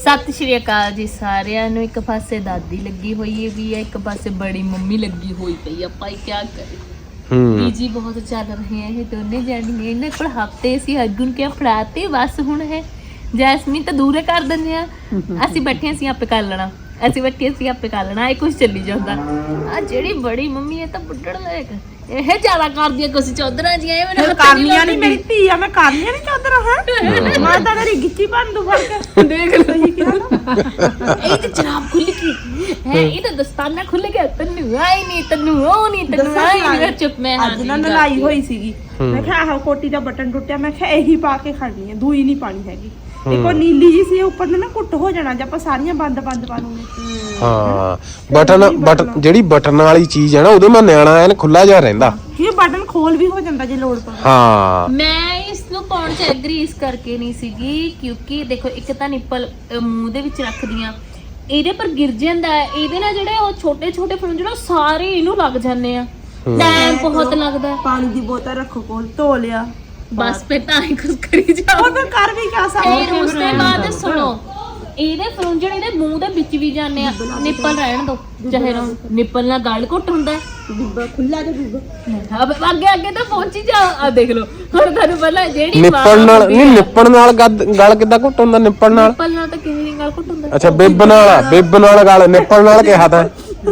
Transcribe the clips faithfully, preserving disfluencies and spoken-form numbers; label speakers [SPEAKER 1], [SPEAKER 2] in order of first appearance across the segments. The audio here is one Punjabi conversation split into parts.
[SPEAKER 1] ਸਤਿ ਸ਼੍ਰੀ ਅਕਾਲ ਜੀ ਸਾਰਿਆਂ ਨੂੰ। ਇੱਕ ਪਾਸੇ ਦਾਦੀ ਲੱਗੀ ਹੋਈ ਵੀ ਹੈ, ਇੱਕ ਪਾਸੇ ਬੜੀ ਮੰਮੀ ਲੱਗੀ ਹੋਈ ਪਈ ਆ। ਭਾਈ ਕੀ ਕਰੇ, ਬੀਜੀ ਬਹੁਤ ਚੱਲ ਰਹੇ ਹੈ ਇਹ ਦੋਨੇ ਜਾਣੀਆਂ। ਇਹਨਾਂ ਕੋਲ ਹਫਤੇ ਸੀ ਅਗੁਨ ਕੇ ਫੜਾਤੇ ਬਸ ਹੁਣ ਹੈ ਜੈਸਮੀਨ ਤਾਂ ਦੂਰੇ ਕਰ ਦਿੰਦੇ ਆ। ਅਸੀਂ ਬੈਠੇ ਅਸੀਂ ਆਪੇ ਕਰ ਲੈਣਾ, ਅਸੀਂ ਬੈਠੇ ਅਸੀਂ ਆਪੇ ਕਰ ਲੈਣਾ। ਇਹ ਕੁਝ ਚੱਲੀ ਜਾਂਦਾ। ਆ ਜਿਹੜੀ ਬੜੀ ਮੰਮੀ ਹੈ ਤਾਂ ਬੁੱਢੜ ਲਾਇਕ ਇਹ ਜ਼ਿਆਦਾ ਕਰਦੀ ਹੈ ਕੁਛ ਚੌਧਰਾਂ ਜੀਆਂ। ਇਹ ਮੈਨੂੰ
[SPEAKER 2] ਕਰਨੀਆਂ ਨਹੀਂ, ਮੇਰੀ ਧੀ ਆ, ਮੈਂ ਕਰਨੀਆਂ ਨਹੀਂ ਚੌਧਰਾਂ ਹੈ। ਮੈਂ ਤਾਂ ਤੇਰੀ ਗਿੱਚੀ ਭੰਨ ਦੂ ਫੜ ਕੇ। ਦੇਖ ਲਓ ਜੀ ਕਿਹਾ ਨਾ,
[SPEAKER 1] ਇਹ ਤਾਂ ਜਨਾਬ ਖੁੱਲ ਗਈ ਹੈ, ਇਹ ਤਾਂ ਦਸਤਾਨਾ ਖੁੱਲ ਗਿਆ। ਤੈਨੂੰ ਆਈ ਨਹੀਂ, ਤੈਨੂੰ ਉਹ ਨਹੀਂ, ਤੈਨੂੰ ਆਈ ਨਹੀਂ। ਚੁੱਪ ਮੈਂ
[SPEAKER 2] ਅੱਜ ਨਾ ਨਲਾਈ ਹੋਈ ਸੀਗੀ। ਮੈਂ ਕਿਹਾ ਆਹ ਕੋਟੀ ਦਾ ਬਟਨ ਟੁੱਟਿਆ, ਮੈਂ ਕਿਹਾ ਇਹੀ ਪਾ ਕੇ ਖੜਨੀ ਹੈ, ਦੂਈ ਨਹੀਂ ਪਾਣੀ ਹੈਗੀ। ਇੱਕ ਉਹ ਨੀਲੀ ਜੀ ਸੀ ਉੱਪਰ ਨਾ ਕੁੱਟ ਹੋ ਜਾਣਾ ਜੇ ਆਪਾਂ ਸਾਰੀਆਂ ਬੰਦ ਬੰਦ ਪਾ ਲੂਗੇ।
[SPEAKER 3] ਹਾਂ ਬਟਨ ਬਟਨ ਜਿਹੜੀ ਬਟਨ ਵਾਲੀ ਚੀਜ਼ ਹੈ ਨਾ ਉਹਦੇ ਮੈਂ ਨਿਆਣਾ ਐਨ ਖੁੱਲਾ ਜਿਹਾ ਰਹਿੰਦਾ।
[SPEAKER 2] ਇਹ ਬਟਨ ਖੋਲ ਵੀ ਹੋ ਜਾਂਦਾ ਜੇ ਲੋੜ ਪਵੇ।
[SPEAKER 3] ਹਾਂ
[SPEAKER 1] ਮੈਂ ਇਸ ਨੂੰ ਪਾਉਣ ਚ ਐਗਰੀ ਇਸ ਕਰਕੇ ਨਹੀਂ ਸੀਗੀ ਕਿਉਂਕਿ ਦੇਖੋ ਇੱਕ ਤਾਂ ਨਿੱਪਲ ਮੂੰਹ ਦੇ ਵਿੱਚ ਰੱਖਦੀਆਂ, ਇਹਦੇ ਪਰ ਗਿਰ ਜਾਂਦਾ ਹੈ। ਇਹਦੇ ਨਾਲ ਜਿਹੜੇ ਉਹ ਛੋਟੇ ਛੋਟੇ ਫਰੂੰਜ ਜਿਹੜੇ ਸਾਰੇ ਇਹਨੂੰ ਲੱਗ ਜਾਂਦੇ ਆ। ਟਾਈਮ ਬਹੁਤ ਲੱਗਦਾ।
[SPEAKER 2] ਪਾਣੀ ਦੀ ਬੋਤਲ ਰੱਖੋ ਕੋਲ, ਧੋ ਲਿਆ
[SPEAKER 1] ਬਸ ਫਿਰ ਤਾਂ ਹੀ ਕੁਝ ਕਰੀ ਜਾਓ।
[SPEAKER 2] ਉਹ ਫਿਰ ਕਰ ਵੀ ਕਿਆ ਸਕਦੇ।
[SPEAKER 1] ਫਿਰ ਉਸ ਤੋਂ ਬਾਅਦ ਸੁਣੋ, ਇਹਦੇ ਫਰੂੰਜਣ ਇਹਦੇ ਮੂੰਹ ਦੇ ਵਿੱਚ ਵੀ ਜਾਂਦੇ ਆ। ਨਿੱਪਲ ਰਹਿਣ ਦੋ ਚਾਹੇ ਰਹੋ, ਨਿੱਪਲ ਨਾਲ ਗਲ ਘੁੱਟ ਹੁੰਦਾ।
[SPEAKER 2] ਬੀਬਾ ਖੁੱਲਾ ਜਿਹਾ ਬੀਬਾ
[SPEAKER 1] ਅੱਗੇ ਅੱਗੇ ਤਾਂ ਪਹੁੰਚੀ ਜਾ। ਆ ਦੇਖ ਲਓ ਹੁਣ ਤੁਹਾਨੂੰ ਪਹਿਲਾਂ ਜਿਹੜੀ
[SPEAKER 3] ਨਿੱਪਣ ਨਾਲ ਨਹੀਂ, ਨਿੱਪਣ ਨਾਲ ਗਲ ਕਿੱਦਾਂ ਘੁੱਟ ਹੁੰਦਾ? ਨਿੱਪਣ ਨਾਲ
[SPEAKER 1] ਨਿੱਪਲ ਨਾਲ ਤਾਂ ਕਿਵੇਂ ਦੀ ਗਲ ਘੁੱਟ ਹੁੰਦਾ?
[SPEAKER 3] ਅੱਛਾ ਬਿੱਬ ਨਾਲ, ਬਿੱਬ ਨਾਲ ਗਲ, ਨਿੱਪਣ ਨਾਲ ਕਿਹਾ ਤਾਂ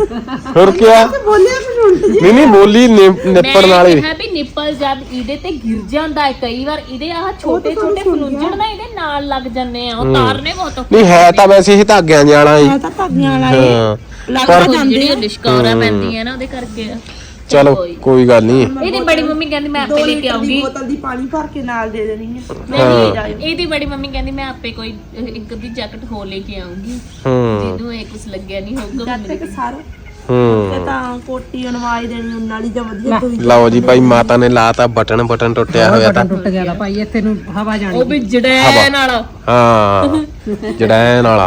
[SPEAKER 3] ਹੋਰ ਕਿਆ?
[SPEAKER 2] ਬੋਲਿਆ ਮੈਨੂੰ
[SPEAKER 3] ਨਹੀਂ ਨਹੀਂ ਬੋਲੀ ਨਿੱਪਣ ਨਾਲ ਹੀ
[SPEAKER 1] ਹੈ ਵੀ ਨਿੱਪਲ ਜਦ ਇਹਦੇ ਤੇ ਗਿਰ ਜਾਂਦਾ ਹੈ ਕਈ ਵਾਰ, ਇਹਦੇ ਆਹ ਛੋਟੇ ਛੋਟੇ ਫਲੂੰਜਣ ਨਾ ਇਹਦੇ ਨਾਲ ਲੱਗ ਜਾਂਦੇ ਆ। ਉਹ ਤਾਰਨੇ ਬਹੁਤ ਔਖੇ।
[SPEAKER 3] ਨਹੀਂ ਹੈ ਤਾਂ ਵੈਸੇ ਹੀ ਧਾਗਿਆਂ ਜਾਣਾ ਹੀ।
[SPEAKER 2] ਮੈਂ ਤਾਂ ਧਾਗਿਆਂ ਵਾਲਾ
[SPEAKER 3] ਹਾਂ
[SPEAKER 2] ਲੱਗਦਾ ਜਾਂਦੇ
[SPEAKER 1] ਜਿਹੜੀ ਲਿਸ਼ਕੌਰਾ ਪੈਂਦੀ ਹੈ ਨਾ ਉਹਦੇ ਕਰਕੇ ਆ।
[SPEAKER 3] ਚਲੋ ਕੋਈ ਗੱਲ ਨਹੀਂ।
[SPEAKER 1] ਇਹਦੀ ਬੜੀ ਮੰਮੀ ਕਹਿੰਦੀ ਮੈਂ ਆਪੇ ਲੈ ਕੇ ਆਉਂਗੀ
[SPEAKER 2] ਬੋਤਲ ਦੀ ਪਾਣੀ ਭਰ ਕੇ ਨਾਲ ਦੇ ਦੇਣੀ ਹੈ।
[SPEAKER 1] ਨਹੀਂ ਇਹਦੀ ਬੜੀ ਮੰਮੀ ਕਹਿੰਦੀ ਮੈਂ ਆਪੇ ਕੋਈ ਇੱਕ ਦੀ ਜੈਕਟ ਹੋ ਲੈ ਕੇ ਆਉਂਗੀ ਜਿਹਨੂੰ ਇਹ ਕੁਝ ਲੱਗਿਆ ਨਹੀਂ ਹੋਊਗਾ।
[SPEAKER 2] ਜਦ ਤੱਕ ਸਾਰੇ
[SPEAKER 3] ਹੂੰ
[SPEAKER 2] ਤੇ ਤਾਂ ਕੋਟੀ ਅਨਵਾਈ ਦੇਣੀ ਉਹਨਾਂ ਵਾਲੀ ਜਾਂ ਵਧੀਆ ਕੋਈ।
[SPEAKER 3] ਲਓ ਜੀ ਭਾਈ ਮਾਤਾ ਨੇ ਲਾਤਾ ਬਟਨ, ਬਟਨ ਟੁੱਟਿਆ ਹੋਇਆ ਤਾਂ
[SPEAKER 4] ਟੁੱਟ ਗਿਆ ਤਾਂ ਭਾਈ ਇੱਥੇ ਨੂੰ ਹਵਾ ਜਾਣੀ।
[SPEAKER 1] ਉਹ ਵੀ ਜੜੈਣ ਵਾਲਾ।
[SPEAKER 3] ਹਾਂ ਜੜੈਣ ਵਾਲਾ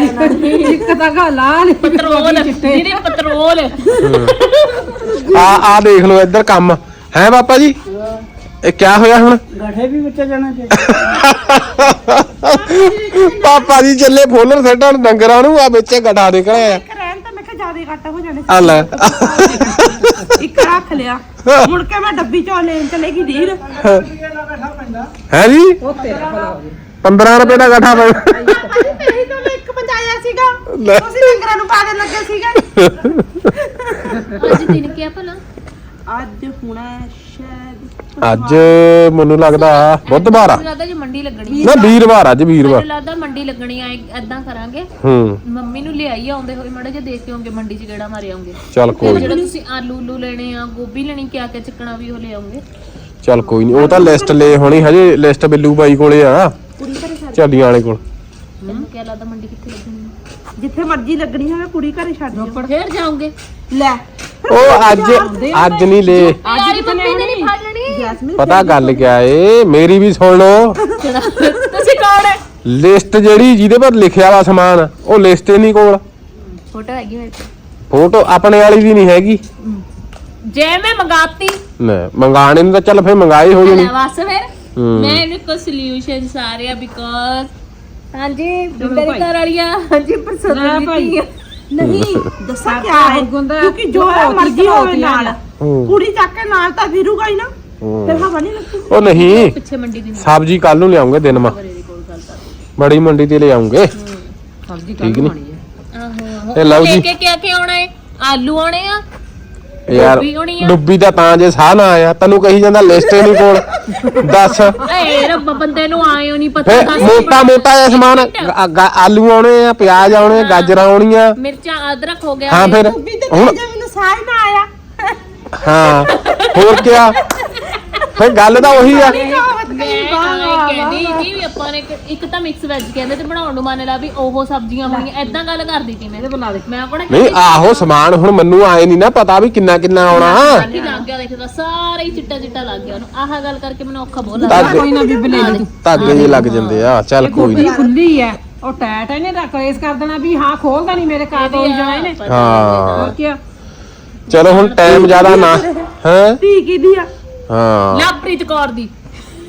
[SPEAKER 4] ਇੱਕ ਤਾਂ ਗਾ ਲਾਲ
[SPEAKER 1] ਪੈਟਰੋਲ, ਜਿਹਦੇ ਪੈਟਰੋਲ।
[SPEAKER 3] ਆ ਆ ਦੇਖ ਲਓ ਇੱਧਰ ਕੰਮ ਹੈ ਪਾਪਾ ਜੀ। ਇਹ ਕਿਆ ਹੋਇਆ ਹੁਣ?
[SPEAKER 4] ਗਾਠੇ ਵੀ ਵਿੱਚ ਜਾਣਾ ਤੇ
[SPEAKER 3] ਪਾਪਾ ਜੀ ਚੱਲੇ ਫੋਲਰ ਸੱਟਣ ਡੰਗਰਾਂ ਨੂੰ, ਆ ਵਿੱਚੇ ਗਠਾ ਨਿਕਲਿਆ
[SPEAKER 2] ਇੱਕ ਰਹਿਣ ਤਾਂ ਮੈਂ ਕਿਹਾ ਜ਼ਿਆਦਾ ਘੱਟ ਹੋ ਜਾਣੇ।
[SPEAKER 3] ਆ ਲੈ
[SPEAKER 2] ਇੱਕ ਰੱਖ ਲਿਆ, ਮੁੜ ਕੇ ਮੈਂ ਡੱਬੀ ਚੋਂ ਲੈਣ ਚਲੇਗੀ ਢੀਰ।
[SPEAKER 3] ਹੈ ਜੀ
[SPEAKER 4] ਉਹ ਤੇਰਾ ਭਲਾ ਹੋ
[SPEAKER 3] ਪੰਦਰਾਂ ਰੁਪਏ ਦਾ ਗਠਾ ਪਿਆ।
[SPEAKER 2] ਇਹੀ ਤਾਂ ਮੈਂ ਇੱਕ ਬਚਾਇਆ ਸੀਗਾ, ਤੁਸੀਂ ਡੰਗਰਾਂ ਨੂੰ ਪਾ ਦੇਣ ਲੱਗੇ ਸੀਗਾ।
[SPEAKER 1] ਅੱਜ ਦਿਨ ਕੀ ਆ ਭਲਾ?
[SPEAKER 2] ਅੱਜ ਹੁਣਾ ਸ਼ਾਇਦ
[SPEAKER 3] ਅੱਜ ਮੈਨੂੰ ਲੱਗਦਾ ਬੁੱਧਵਾਰ ਆ।
[SPEAKER 1] ਮੈਨੂੰ ਲੱਗਦਾ ਜੀ ਮੰਡੀ ਲੱਗਣੀ
[SPEAKER 3] ਨਾ ਵੀਰਵਾਰ, ਅੱਜ ਵੀਰਵਾਰ।
[SPEAKER 1] ਮੈਨੂੰ ਲੱਗਦਾ ਮੰਡੀ ਲੱਗਣੀ ਆ। ਏਦਾਂ ਕਰਾਂਗੇ
[SPEAKER 3] ਹੂੰ
[SPEAKER 1] ਮੰਮੀ ਨੂੰ ਲਿਆਈ ਆਉਂਦੇ ਹੋਏ ਮਾੜਾ ਜਿਹਾ ਦੇਖ ਕੇ ਆਉਂਗੇ, ਮੰਡੀ 'ਚ ਗੇੜਾ ਮਾਰੇ ਆਉਂਗੇ।
[SPEAKER 3] ਚੱਲ ਕੋਈ
[SPEAKER 1] ਜਿਹੜਾ ਤੁਸੀਂ ਆਲੂ ਉਲੂ ਲੈਣੇ ਆ, ਗੋਭੀ ਲੈਣੀ, ਕਿਆ ਕਿਆ ਚੱਕਣਾ ਵੀ ਉਹ ਲੈ ਆਉਂਗੇ।
[SPEAKER 3] ਚੱਲ ਕੋਈ ਨਹੀਂ, ਉਹ ਤਾਂ ਲਿਸਟ ਲੈ ਹੋਣੀ ਹਜੇ। ਲਿਸਟ ਬਿੱਲੂ ਬਾਈ ਕੋਲੇ ਆ, ਝੱਲੀਆਂ ਵਾਲੇ ਕੋਲ।
[SPEAKER 1] ਤੈਨੂੰ ਕਿਆ ਲੱਗਦਾ ਮੰਡੀ ਕਿੱਥੇ ਲੱਗਣੀ ਆ?
[SPEAKER 2] ਜਿੱਥੇ ਮਰਜ਼ੀ ਲੱਗਣੀ ਹੋਵੇ ਕੁੜੀ ਘਰੇ ਛੱਡ ਦਿਓ।
[SPEAKER 1] ਫੇਰ ਜਾਓਗੇ?
[SPEAKER 2] ਲੈ
[SPEAKER 3] ਉਹ ਅੱਜ ਅੱਜ ਨਹੀਂ ਲੈ,
[SPEAKER 1] ਅੱਜ ਮੰਮੀ ਨੇ ਨਹੀਂ ਫੜ ਲੈਣੀ।
[SPEAKER 2] ਜੈਸਮੀਨ
[SPEAKER 3] ਪਤਾ ਗੱਲ ਕਿਆ ਏ ਮੇਰੀ ਵੀ ਸੁਣ ਲਓ।
[SPEAKER 1] ਤੁਸੀਂ ਕੌਣ ਹੈ?
[SPEAKER 3] ਲਿਸਟ ਜਿਹੜੀ ਜਿਹਦੇ ਪਰ ਲਿਖਿਆ ਵਾ ਸਮਾਨ, ਉਹ ਲਿਸਟ ਹੀ ਨਹੀਂ ਕੋਲ।
[SPEAKER 1] ਫੋਟੋ ਹੈਗੀ ਮੇਰੇ ਕੋਲ।
[SPEAKER 3] ਫੋਟੋ ਆਪਣੇ ਵਾਲੀ ਵੀ ਨਹੀਂ ਹੈਗੀ।
[SPEAKER 1] ਜੇ ਮੈਂ ਮੰਗਾਤੀ
[SPEAKER 3] ਨਾ ਮੰਗਾਣੇ ਨੂੰ ਤਾਂ ਚੱਲ ਫੇਰ ਮੰਗਾਈ ਹੋ ਜਾਣੀ।
[SPEAKER 1] ਬਸ ਫਿਰ ਮੈਂ ਇਹਨੂੰ ਕੋ ਸੋਲੂਸ਼ਨ ਸਾਰੇ ਬਿਕੋਜ਼ ਹਾਂਜੀ ਮੇਰੇ ਘਰ ਵਾਲੀਆਂ ਹਾਂਜੀ ਪਰਸੋਂ
[SPEAKER 4] ਭਾਈ
[SPEAKER 2] ਨਹੀਂ ਦੱਸਾਂ ਕਿਆ ਹੈ, ਕਿਉਂਕਿ ਜੋ ਮਰਜ਼ੀ ਹੋਵੇ ਨਾਲ ਕੁੜੀ ਚੱਕ ਕੇ ਨਾਲ ਤਾਂ ਫਿਰੂਗਾ ਹੀ ਨਾ, ਫਿਰ ਹਵਾ ਨਹੀਂ ਲੱਗਦੀ।
[SPEAKER 3] ਉਹ ਨਹੀਂ
[SPEAKER 1] ਪਿੱਛੇ ਮੰਡੀ ਦੀ
[SPEAKER 3] ਸਬਜ਼ੀ ਕੱਲ ਨੂੰ ਲਿਆਉਂਗੇ ਦਿਨ ਮਾ,
[SPEAKER 1] ਮੇਰੇ ਕੋਲ ਗੱਲ ਕਰ।
[SPEAKER 3] ਬੜੀ ਮੰਡੀ ਤੇ ਲੈ ਆਉਂਗੇ।
[SPEAKER 4] ਸਬਜ਼ੀ
[SPEAKER 3] ਠੀਕ ਨੀ?
[SPEAKER 1] ਆਹੋ
[SPEAKER 3] ਤੇ ਲਓ ਜੀ
[SPEAKER 1] ਕੇ ਕਿਆ ਕੀ ਆਉਣਾ ਹੈ? ਆਲੂ ਆਉਣੇ ਆ
[SPEAKER 3] ਯਾਰ
[SPEAKER 1] ਡੁੱਬੀ ਹੋਣੀ ਆ।
[SPEAKER 3] ਡੁੱਬੀ ਦਾ ਤਾਂ ਜੇ ਸਾਹ ਨਾ ਆਇਆ, ਤੈਨੂੰ ਕਹੀ ਜਾਂਦਾ ਲਿਸਟ ਹੀ ਨਹੀਂ ਕੋਲ। ਦੱਸ
[SPEAKER 1] ਏ ਰੱਬ ਬੰਦੇ ਨੂੰ ਆਇਓ ਨਹੀਂ ਪਤਾ।
[SPEAKER 3] ਫੇ ਮੋਟਾ ਮੋਟਾ ਜਿਹਾ ਸਮਾਨ, ਗ- ਗ- ਆਲੂ ਆਉਣੇ ਆ, ਪਿਆਜ਼ ਆਉਣੇ, ਗਾਜਰਾਂ ਆਉਣੀਆਂ।
[SPEAKER 1] ਮਿਰਚਾਂ ਅਦਰਕ ਹੋ ਗਿਆ।
[SPEAKER 3] ਹਾਂ ਫਿਰ ਹੁਣ
[SPEAKER 2] ਜੇ ਮੈਨੂੰ ਸਾਹ ਹੀ ਨਾ ਆਇਆ
[SPEAKER 3] ਹਾਂ ਹੋਰ ਕਿਆ, ਫੇ ਗੱਲ ਤਾਂ ਉਹੀ ਆ।
[SPEAKER 1] ਮੈਂ ਆਏ ਕਹਿੰਦੀ ਜੀ ਵੀ ਆਪਾਂ ਨੇ ਇੱਕ- ਇੱਕ ਤਾਂ ਮਿਕਸ ਵੈਜ ਕਹਿੰਦੇ ਤੇ ਬਣਾਉਣ ਨੂੰ ਮੰਨ ਲਾ ਵੀ ਉਹ ਸਬਜ਼ੀਆਂ ਹੋਣੀਆਂ, ਏਦਾਂ ਗੱਲ ਕਰਦੀ ਸੀ ਮੈਂ।
[SPEAKER 4] ਬਣਾ ਦੇ।
[SPEAKER 1] ਮੈਂ ਕੋਣ
[SPEAKER 3] ਨਹੀਂ ਆਹੋ ਸਮਾਨ ਹੁਣ ਮੈਨੂੰ ਆਏ ਨਹੀਂ ਨਾ ਪਤਾ ਵੀ ਕਿੰਨਾ ਕਿੰਨਾ ਆਉਣਾ।
[SPEAKER 1] ਲੱਗ ਗਿਆ, ਦੇਖਦਾ ਸਾਰਾ ਹੀ ਚਿੱਟਾ ਚਿੱਟਾ ਲੱਗ ਗਿਆ ਉਹਨੂੰ। ਆਹ ਗੱਲ ਕਰਕੇ ਮੈਨੂੰ ਔਖਾ ਬਹੁਤ ਲੱਗਦਾ।
[SPEAKER 3] ਧਾਗੇ
[SPEAKER 4] ਕੋਈ ਨਾ ਬੀਬ ਲੈ ਲਈ ਤੂੰ।
[SPEAKER 3] ਧਾਗੇ ਜਿਹੇ ਲੱਗ ਜਾਂਦੇ ਆ। ਚੱਲ ਕੋਈ
[SPEAKER 4] ਗੋਭੀ
[SPEAKER 3] ਨਹੀਂ।
[SPEAKER 4] ਖੁੱਲੀ ਹੈ, ਉਹ ਟੈਟ ਇਹਨੇ ਰੱਖ ਇਸ ਕਰ ਦੇਣਾ ਵੀ ਹਾਂ ਖੋਲਦਾ ਨਹੀਂ ਮੇਰੇ ਕਾਤ ਹੋਈ ਜਾਣਾ ਇਹਨੇ।
[SPEAKER 3] ਹਾਂ
[SPEAKER 4] ਹੋਰ ਕੀ?
[SPEAKER 3] ਚਲੋ ਹੁਣ ਟਾਈਮ ਜ਼ਿਆਦਾ ਨਾ ਹੈ।
[SPEAKER 2] ਧੀ ਕਿਹਦੀ ਆ?
[SPEAKER 3] ਹਾਂ
[SPEAKER 1] ਲਵਪ੍ਰੀਤ ਕੌਰ ਦੀ।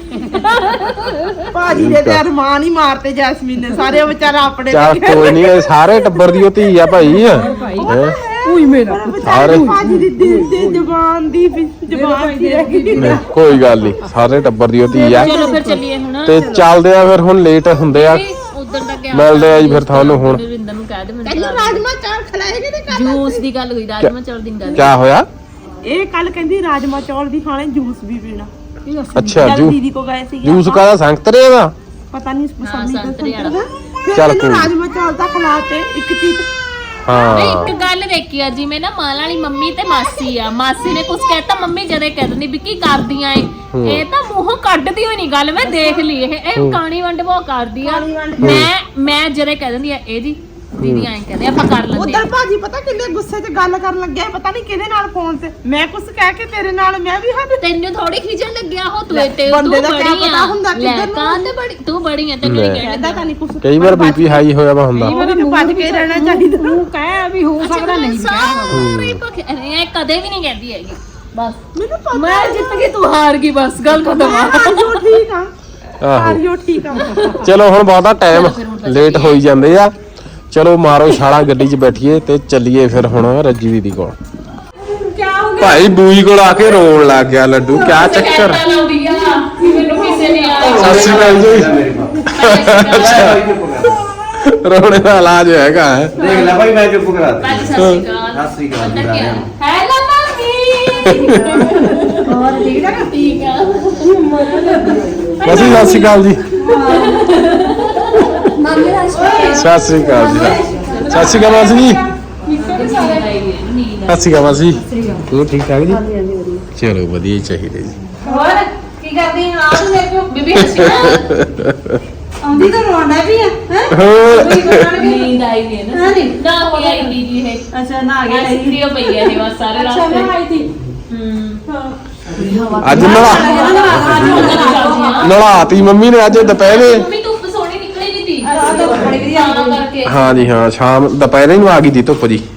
[SPEAKER 2] ਭਾਜੀ ਦੇ ਤੇ ਅਰਮਾਨ ਹੀ ਮਾਰਤੇ ਜੈਸਮੀਨ ਨੇ ਸਾਰੇ, ਉਹ ਵਿਚਾਰਾ ਆਪਣੇ
[SPEAKER 3] ਚੱਲ ਕੋਈ ਨਹੀਂ, ਇਹ ਸਾਰੇ ਟੱਬਰ ਦੀ ਉਹ ਧੀ ਆ ਭਾਈ ਹੈਂ?
[SPEAKER 2] ਉਹੀ ਮੇਰਾ ਵਿਚਾਰੇ ਭਾਜੀ ਦੀ ਦਿਲ ਤੇ ਜ਼ਬਾਨ ਦੀ ਜ਼ਬਾਨ ਦੀ ਰਹਿ ਗਈ।
[SPEAKER 3] ਨਹੀਂ, ਕੋਈ ਗੱਲ ਨਹੀਂ, ਸਾਰੇ ਟੱਬਰ ਦੀ ਉਹ ਧੀ ਆ।
[SPEAKER 1] ਚਲੋ ਫਿਰ ਚੱਲੀਏ ਹੁਣ।
[SPEAKER 3] ਤੇ ਚੱਲਦੇ ਆ ਫਿਰ, ਹੁਣ ਲੇਟ ਹੁੰਦੇ ਆ,
[SPEAKER 1] ਉਧਰ ਦਾ ਗਿਆ
[SPEAKER 3] ਮਿਲਦੇ ਆ ਜੀ ਫਿਰ ਤੁਹਾਨੂੰ ਹੁਣ।
[SPEAKER 1] ਰਿੰਦਰ ਨੂੰ ਕਹਿ ਦੇ ਮੈਨੂੰ
[SPEAKER 2] ਕੱਲ ਰਾਜਮਾ ਚਾਵਲ ਖਿਲਾਏਗੇ ਤੇ ਕੱਲ
[SPEAKER 1] ਜੂਸ ਦੀ ਗੱਲ ਹੋਈ, ਰਾਜਮਾ ਚੌਲ ਦੀ ਗੱਲ।
[SPEAKER 3] ਕਿਆ ਹੋਇਆ?
[SPEAKER 2] ਇਹ ਕੱਲ ਕਹਿੰਦੀ ਰਾਜਮਾ ਚੌਲ ਵੀ ਖਾਣੇ, ਜੂਸ ਵੀ ਪੀਣਾ।
[SPEAKER 3] ਅੱਛਾ,
[SPEAKER 2] ਜਦ
[SPEAKER 3] ਜੂ
[SPEAKER 2] ਦੀਦੀ ਕੋ ਗਏ ਸੀ
[SPEAKER 3] ਜੂਸ ਕਾਹਦਾ, ਸੰਤਰੇ ਦਾ?
[SPEAKER 2] ਪਤਾ ਨਹੀਂ
[SPEAKER 1] ਹਾਂ, ਸੰਤਰੇ ਵਾਲਾ।
[SPEAKER 2] ਚੱਲ
[SPEAKER 3] ਚੱਲ
[SPEAKER 2] ਕੋਈ
[SPEAKER 3] ਕੋਈ।
[SPEAKER 2] ਰਾਜਮਾ ਚੌਲ ਤਾਂ ਖਿਲਾਤੇ ਇੱਕ ਚੀਜ਼।
[SPEAKER 3] ਹਾਂ
[SPEAKER 1] ਇੱਕ ਗੱਲ ਦੇਖੀ ਆ, ਜਿਵੇਂ ਨਾ ਮਾਲ ਵਾਲੀ ਮੰਮੀ ਤੇ ਮਾਸੀ ਆ, ਮਾਸੀ ਨੇ ਕੁਝ ਕਹਿਤਾ, ਮੰਮੀ ਜਦੇ ਕਹਿ ਦਿੰਦੀ ਵੀ ਕੀ ਕਰਦੀਆਂ ਏ। ਇਹ ਤਾਂ ਮੂੰਹੋਂ ਕੱਢਦੀ ਹੋਈ ਨਹੀਂ ਗੱਲ, ਮੈਂ ਦੇਖ ਲਈ। ਇਹ ਇਹ ਕਾਣੀ ਵੰਡ ਬਹੁਤ ਕਰਦੀ ਆ। ਮੈਂ ਮੈਂ ਜਦੇ ਕਹਿ ਦਿੰਦੀ ਆ, ਇਹ ਜੀ ਦੀਦੀ ਐਂ ਕਹਿੰਦੇ ਆਪਾਂ ਕਰ ਲੈਂਦੇ
[SPEAKER 2] ਉਧਰ ਭਾਜੀ ਪਤਾ ਕਿੰਨੇ ਗੁੱਸੇ 'ਚ ਗੱਲ ਕਰਨ ਲੱਗਿਆ, ਪਤਾ ਨਹੀਂ ਕਿਹਦੇ ਨਾਲ ਫੋਨ ਤੇ। ਮੈਂ ਕੁਝ ਕਹਿ ਕੇ ਤੇਰੇ ਨਾਲ ਮੈਂ ਵੀ ਹੱਦ।
[SPEAKER 1] ਤੈਨੂੰ ਥੋੜੀ ਖਿਜਣ ਲੱਗਿਆ ਹੋ ਤੂੰ
[SPEAKER 2] ਲੈ,
[SPEAKER 1] ਤੇ
[SPEAKER 2] ਬੰਦੇ
[SPEAKER 1] ਤੂੰ
[SPEAKER 2] ਦਾ ਕਿਆ
[SPEAKER 1] ਬੜੀ
[SPEAKER 2] ਪਤਾ
[SPEAKER 1] ਆ
[SPEAKER 2] ਹੁੰਦਾ
[SPEAKER 1] ਲੈ
[SPEAKER 2] ਕਿੱਧਰ ਨੂੰ।
[SPEAKER 1] ਕਾਹਦੇ ਬੜੀ ਤੂੰ ਬੜੀ ਆ ਤੈਨੂੰ ਨਹੀਂ ਕਹਿਣਾ
[SPEAKER 2] ਕਹਿੰਦਾ ਤਾਂ ਨਹੀਂ ਕੁਝ।
[SPEAKER 3] ਕਈ ਵਾਰ ਬੀਪੀ ਹਾਈ ਹੋਇਆ ਵਾ ਹੁੰਦਾ।
[SPEAKER 2] ਮੈਨੂੰ ਭੱਜ ਕੇ ਰਹਿਣਾ ਚਾਹੀਦਾ।
[SPEAKER 4] ਤੂੰ ਕਹਿ ਵੀ ਹੋ ਸਕਦਾ ਨਹੀਂ ਵੀ ਕਹਿ ਸਕਦਾ।
[SPEAKER 1] ਸਾਰੇ ਭੁੱਖੇ ਇਹ ਕਦੇ ਵੀ ਨਹੀਂ ਕਹਿੰਦੀ ਹੈਗੀ। ਬਸ
[SPEAKER 2] ਮੈਨੂੰ ਪਤਾ
[SPEAKER 1] ਮੈਂ ਜਿੱਤ ਗਈ, ਤੂੰ ਹਾਰ ਗਈ, ਬਸ ਗੱਲ ਖਤਮ ਆ।
[SPEAKER 2] ਹਾਰਿਓ ਠੀਕ ਆ,
[SPEAKER 3] ਆਹੋ
[SPEAKER 2] ਹਾਰਿਓ ਠੀਕ ਆ।
[SPEAKER 3] ਚਲੋ ਹੁਣ ਬਹੁਤਾ ਟਾਈਮ ਲੇਟ ਹੋਈ ਜਾਂਦੇ ਆ, ਚਲੋ ਮਾਰੋ ਛਾਲਾ, ਗੱਡੀ 'ਚ ਬੈਠੀਏ ਤੇ ਚੱਲੀਏ ਫਿਰ ਹੁਣ ਰੱਜੀ ਦੀਦੀ ਕੋਲ। ਭਾਈ ਬੂਈ ਕੋਲ ਆ ਕੇ ਰੋਣ ਲੱਗ ਗਿਆ ਲੱਡੂ, ਕਿਆ ਚੱਕਰ?
[SPEAKER 1] ਲਾਉਂਦੀ ਆ ਮੈਨੂੰ ਕਿਸੇ ਨੇ ਆ
[SPEAKER 3] ਸਤਿ ਸ਼੍ਰੀ ਅਕਾਲ ਜੀ। ਰੋਣੇ ਦਾ ਇਲਾਜ ਹੈਗਾ ਹੈ।
[SPEAKER 5] ਦੇਖ ਲੈ ਭਾਈ, ਮੈਂ ਚੁੱਪ ਕਰਾ ਦਿੱਤਾ।
[SPEAKER 1] ਸਤਿ ਸ਼੍ਰੀ ਅਕਾਲ।
[SPEAKER 5] ਸਤਿ ਸ਼੍ਰੀ ਅਕਾਲ ਜੀ
[SPEAKER 1] ਅੰਦਰ
[SPEAKER 5] ਸਾਰਿਆਂ ਨੂੰ।
[SPEAKER 1] Hello mummy. ਹੋਰ ਠੀਕ ਆ? ਠੀਕ ਆ।
[SPEAKER 3] ਮਾਸੀ ਸਤਿ ਸ਼੍ਰੀ ਅਕਾਲ ਜੀ। ਸਤਿ ਸ਼੍ਰੀ ਅਕਾਲ ਜੀ। ਸਤਿ ਸ਼੍ਰੀ ਅਕਾਲ ਮਾਸੀ ਜੀ। ਸਤਿ ਸ਼੍ਰੀ ਅਕਾਲ ਮਾਸੀ। ਹੋਰ ਠੀਕ ਠਾਕ ਜੀ? ਚਲੋ ਵਧੀਆ ਹੀ ਚਾਹੀਦੇ ਜੀ।
[SPEAKER 6] ਹੋਰ ਕੀ ਕਰਦੀ ਹਾਂ ਤੂੰ ਮੇਰੇ ਕੋਲ
[SPEAKER 1] ਬੀਬੀ ਹੱਸੀ ਨਾ।
[SPEAKER 6] ਆਉਂਦੀ ਤਾਂ ਰੋਣਾ ਵੀ ਆ ਹੈ
[SPEAKER 3] ਹੋਰ
[SPEAKER 1] ਨੀਂਦ ਆਈ ਵੀ ਹੈ ਨਾ।
[SPEAKER 6] ਹਾਂ ਨੀ।
[SPEAKER 1] ਨਾ ਹੋਈ ਆਈ ਦੀਦੀ ਹੈ।
[SPEAKER 6] ਅੱਛਾ ਨਾ ਆ ਗਿਆ
[SPEAKER 1] ਐਸੀ ਕ੍ਰਿਓ ਪਈ ਹੈ ਇਹ ਬਸ ਸਾਰੇ
[SPEAKER 6] ਅੱਛਾ ਮੈਂ
[SPEAKER 1] ਰਾਸਤੇ।
[SPEAKER 6] ਆਈ ਥੀ
[SPEAKER 1] ਹੂੰ
[SPEAKER 3] ਅੱਜ ਨਲਾ ਨਲਾਤੀ ਮੰਮੀ ਨੇ ਅੱਜ ਦੁਪਹਿਰੇ।
[SPEAKER 1] ਮੰਮੀ ਧੁੱਪ ਸੋਹਣੀ ਨਿਕਲੀ ਨਹੀਂ ਤੀ।
[SPEAKER 6] ਆ ਤਾਂ ਬੜੀ ਵਧੀਆ
[SPEAKER 1] ਤਾਂ ਕਰਕੇ
[SPEAKER 3] ਹਾਂ ਜੀ ਹਾਂ, ਸ਼ਾਮ ਦੁਪਹਿਰੇ ਨੂੰ ਆ ਗਈ ਦੀ ਧੁੱਪ ਜੀ।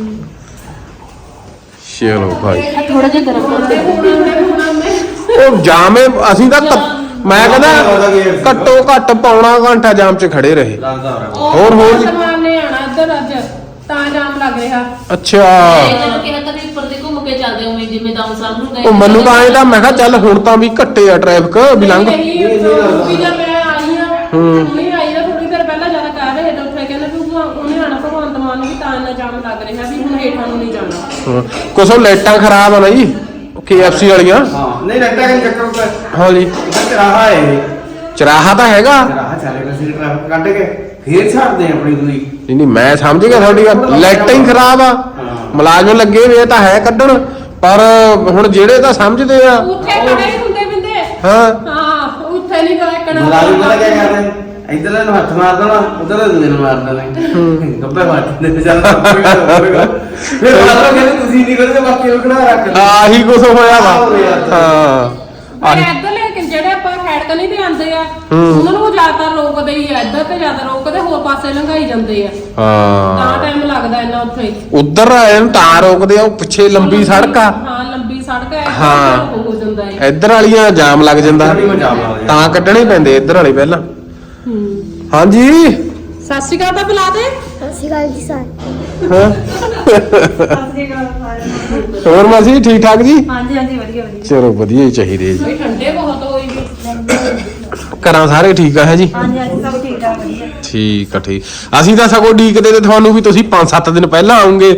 [SPEAKER 3] ਚਲੋ ਭਾਈ
[SPEAKER 1] ਥੋੜਾ ਜਿਹਾ ਗਰਮ ਕਰ ਦੇ।
[SPEAKER 3] ਉਹ ਜਾਮੇ ਅਸੀਂ ਤਾਂ ਕ- ਮੈਂ ਕਹਿੰਦਾ ਘੱਟੋ ਘੱਟ ਪੌਣਾ ਘੰਟਾ ਜਾਮ 'ਚ ਖੜੇ ਰਹੇ।
[SPEAKER 5] ਲੱਗਦਾ ਹੋ
[SPEAKER 3] ਹੋਰ ਹੋਰ ਜੀ।
[SPEAKER 4] ਸਮਾਨ ਨੇ ਆਣਾ ਇੱਧਰ ਅੱਜ ਤਾਂ ਜਾਮ ਲੱਗ ਰਿਹਾ।
[SPEAKER 3] ਅੱਛਾ,
[SPEAKER 1] ਜਦੋਂ ਕਿਹਾ ਕਦੇ ਉੱਪਰ ਦੇ ਘੁੰਮ ਕੇ ਚੱਲਦੇ ਹੋ ਜਿਵੇਂ ਦਾਮ ਸਾਹਿਬ ਨੂੰ ਗਏ।
[SPEAKER 3] ਉਹ ਮੈਨੂੰ ਤਾਂ ਐਂ ਤਾਂ ਮੈਂ ਕਿਹਾ ਚੱਲ ਹੁਣ ਤਾਂ ਵੀ ਘੱਟੇ ਆ ਟ੍ਰੈਫਿਕ ਵੀ ਲੰਘ।
[SPEAKER 4] ਨਹੀਂ ਵੀ ਜਦ ਮੈਂ ਆਈ ਆ ਨਹੀਂ ਆਈ ਨਾ ਥੋੜੀ ਦੇਰ ਪਹਿਲਾਂ ਜ਼ਿਆਦਾ ਕਰ ਰਹੇ ਤਾਂ ਉੱਥੇ ਕਹਿੰਦੇ ਵੀ ਉਹ- ਉਹਨੇ ਆਣਾ ਭਗਵੰਤ ਮਾਨ ਨੂੰ ਵੀ ਤਾਂ ਇੰਨਾ ਜਾਮ ਲੱਗ ਰਿਹਾ ਵੀ ਹੁਣ ਹੇਠਾਂ ਨੂੰ ਨਹੀਂ ਜਾਣਾ।
[SPEAKER 3] ਹਾਂ, ਕੁਛ ਉਹ ਲਾਈਟਾਂ ਖਰਾਬ ਆ ਨਾ ਜੀ, ਕੇ ਐਫ ਸੀ ਵਾਲੀਆਂ।
[SPEAKER 5] ਹਾਂ ਨਹੀਂ ਲੱਗਦਾ ਕਿ ਚੱਕਰ ਉੱਤੇ
[SPEAKER 3] ਹਾਂ ਜੀ,
[SPEAKER 5] ਇੱਧਰ ਚਰਾਹਾ ਹੈ।
[SPEAKER 3] ਚਰਾਹਾ ਤਾਂ ਹੈਗਾ।
[SPEAKER 5] ਚਰਾਹਾ ਚੱਲੇਗਾ ਸੀ ਟ੍ਰੈਫਿਕ ਕੱਢ ਕੇ ਫੇਰ ਛੱਡਦੇ ਆ ਆਪਣੀ ਦੂਈ।
[SPEAKER 3] ਨਹੀਂ ਨਹੀਂ ਮੈਂ ਸਮਝ ਗਿਆ ਤੁਹਾਡੀ ਗੱਲ, ਲਾਈਟਾਂ ਹੀ ਖਰਾਬ ਆ। ਮੁਲਾਜ਼ਮ ਲੱਗੇ ਵੇ ਤਾਂ ਹੈ ਕੱਢਣ, ਪਰ ਹੁਣ ਜਿਹੜੇ ਤਾਂ ਸਮਝਦੇ ਆ।
[SPEAKER 4] ਉੱਥੇ ਖੜੇ ਹੁੰਦੇ ਬਿੰਦੇ
[SPEAKER 3] ਹਾਂ
[SPEAKER 4] ਹਾਂ ਉੱਥੇ ਨਹੀਂ ਕੋਈ ਕਣਾ
[SPEAKER 5] ਮੁਲਾਜ਼ਮ ਪਤਾ ਕੀ ਕਰਦੇ? ਇੱਧਰ ਨੂੰ ਹੱਥ ਮਾਰ ਦੇਣਾ, ਉਧਰ ਦੂਜੇ ਨੂੰ ਮਾਰ ਦੇਣਾ। ਗੱਪੇ ਮਾਰ ਦਿੰਦੇ ਚੱਲਦਾ ਫਿਰ ਮਾਰੋ ਕਹਿੰਦੇ ਤੁਸੀਂ ਨਹੀਂ ਕਰਦੇ, ਬਾਕੀ ਨੂੰ ਖੜਾ ਰੱਖ ਲਓ।
[SPEAKER 3] ਆਹੀ ਕੁਛ ਹੋਇਆ ਵਾ। ਹਾਂ
[SPEAKER 4] ਪਰ ਇੱਧਰ ਲੇਕਿਨ ਜਿਹੜੇ ਆਪਾਂ ਖੈੜ ਕਲੀ ਤੇ ਆਂਦੇ ਆ ਉਹਨਾਂ ਨੂੰ ਜ਼ਿਆਦਾਤਰ ਰੋਕਦੇ ਹੀ ਆ, ਇੱਧਰ ਤੇ ਜ਼ਿਆਦਾ ਰੋਕਦੇ, ਹੋਰ ਪਾਸੇ ਲੰਘਾਈ ਜਾਂਦੇ ਆ
[SPEAKER 3] ਹਾਂ,
[SPEAKER 4] ਤਾਂ ਟਾਈਮ ਲੱਗਦਾ ਇੰਨਾ ਉੱਥੇ।
[SPEAKER 3] ਉਧਰ ਇਹਨੂੰ ਤਾਂ ਰੋਕਦੇ ਆ, ਉਹ ਪਿੱਛੇ ਲੰਬੀ ਸੜਕ ਆ।
[SPEAKER 4] ਹਾਂ ਲੰਬੀ ਸੜਕ ਹੈ
[SPEAKER 3] ਹਾਂ।
[SPEAKER 4] ਹੋ ਜਾਂਦਾ ਹੈ।
[SPEAKER 3] ਇੱਧਰ ਵਾਲੀਆਂ ਜਾਮ ਲੱਗ ਜਾਂਦਾ,
[SPEAKER 5] ਬੜੀ ਮਜ਼ਾਕ ਲਾ ਰਹੇ ਆ।
[SPEAKER 3] ਤਾਂ ਕੱਢਣੇ ਪੈਂਦੇ ਇੱਧਰ ਵਾਲੇ ਪਹਿਲਾਂ। ਹਾਂਜੀ
[SPEAKER 4] ਸਤਿ ਸ਼੍ਰੀ ਅਕਾਲ ਤਾਂ ਬੁਲਾ ਦੇ।
[SPEAKER 3] ਹਾਂ ਹੋਰ ਮਾਸੀ ਠੀਕ ਠਾਕ ਜੀ?
[SPEAKER 6] ਹਾਂਜੀ ਹਾਂਜੀ ਵਧੀਆ ਵਧੀਆ
[SPEAKER 3] ਚਲੋ ਵਧੀਆ ਹੀ ਚਾਹੀਦੇ ਜੀ।
[SPEAKER 4] ਬਈ ਠੰਡੇ ਬਹੁਤ ਹੋਈ ਵੀ।
[SPEAKER 3] ਘਰਾਂ ਸਾਰੇ ਠੀਕ ਆ ਹੈ ਜੀ?
[SPEAKER 6] ਹਾਂਜੀ ਹਾਂਜੀ ਸਭ ਠੀਕ ਠਾਕ ਵਧੀਆ
[SPEAKER 3] ਠੀਕ ਆ ਠੀਕ। ਅਸੀਂ ਤਾਂ ਸਗੋਂ ਡੀਕਦੇ ਤੇ ਤੁਹਾਨੂੰ ਵੀ ਤੁਸੀਂ ਪੰਜ ਸੱਤ ਦਿਨ ਪਹਿਲਾਂ ਆਉਂਗੇ।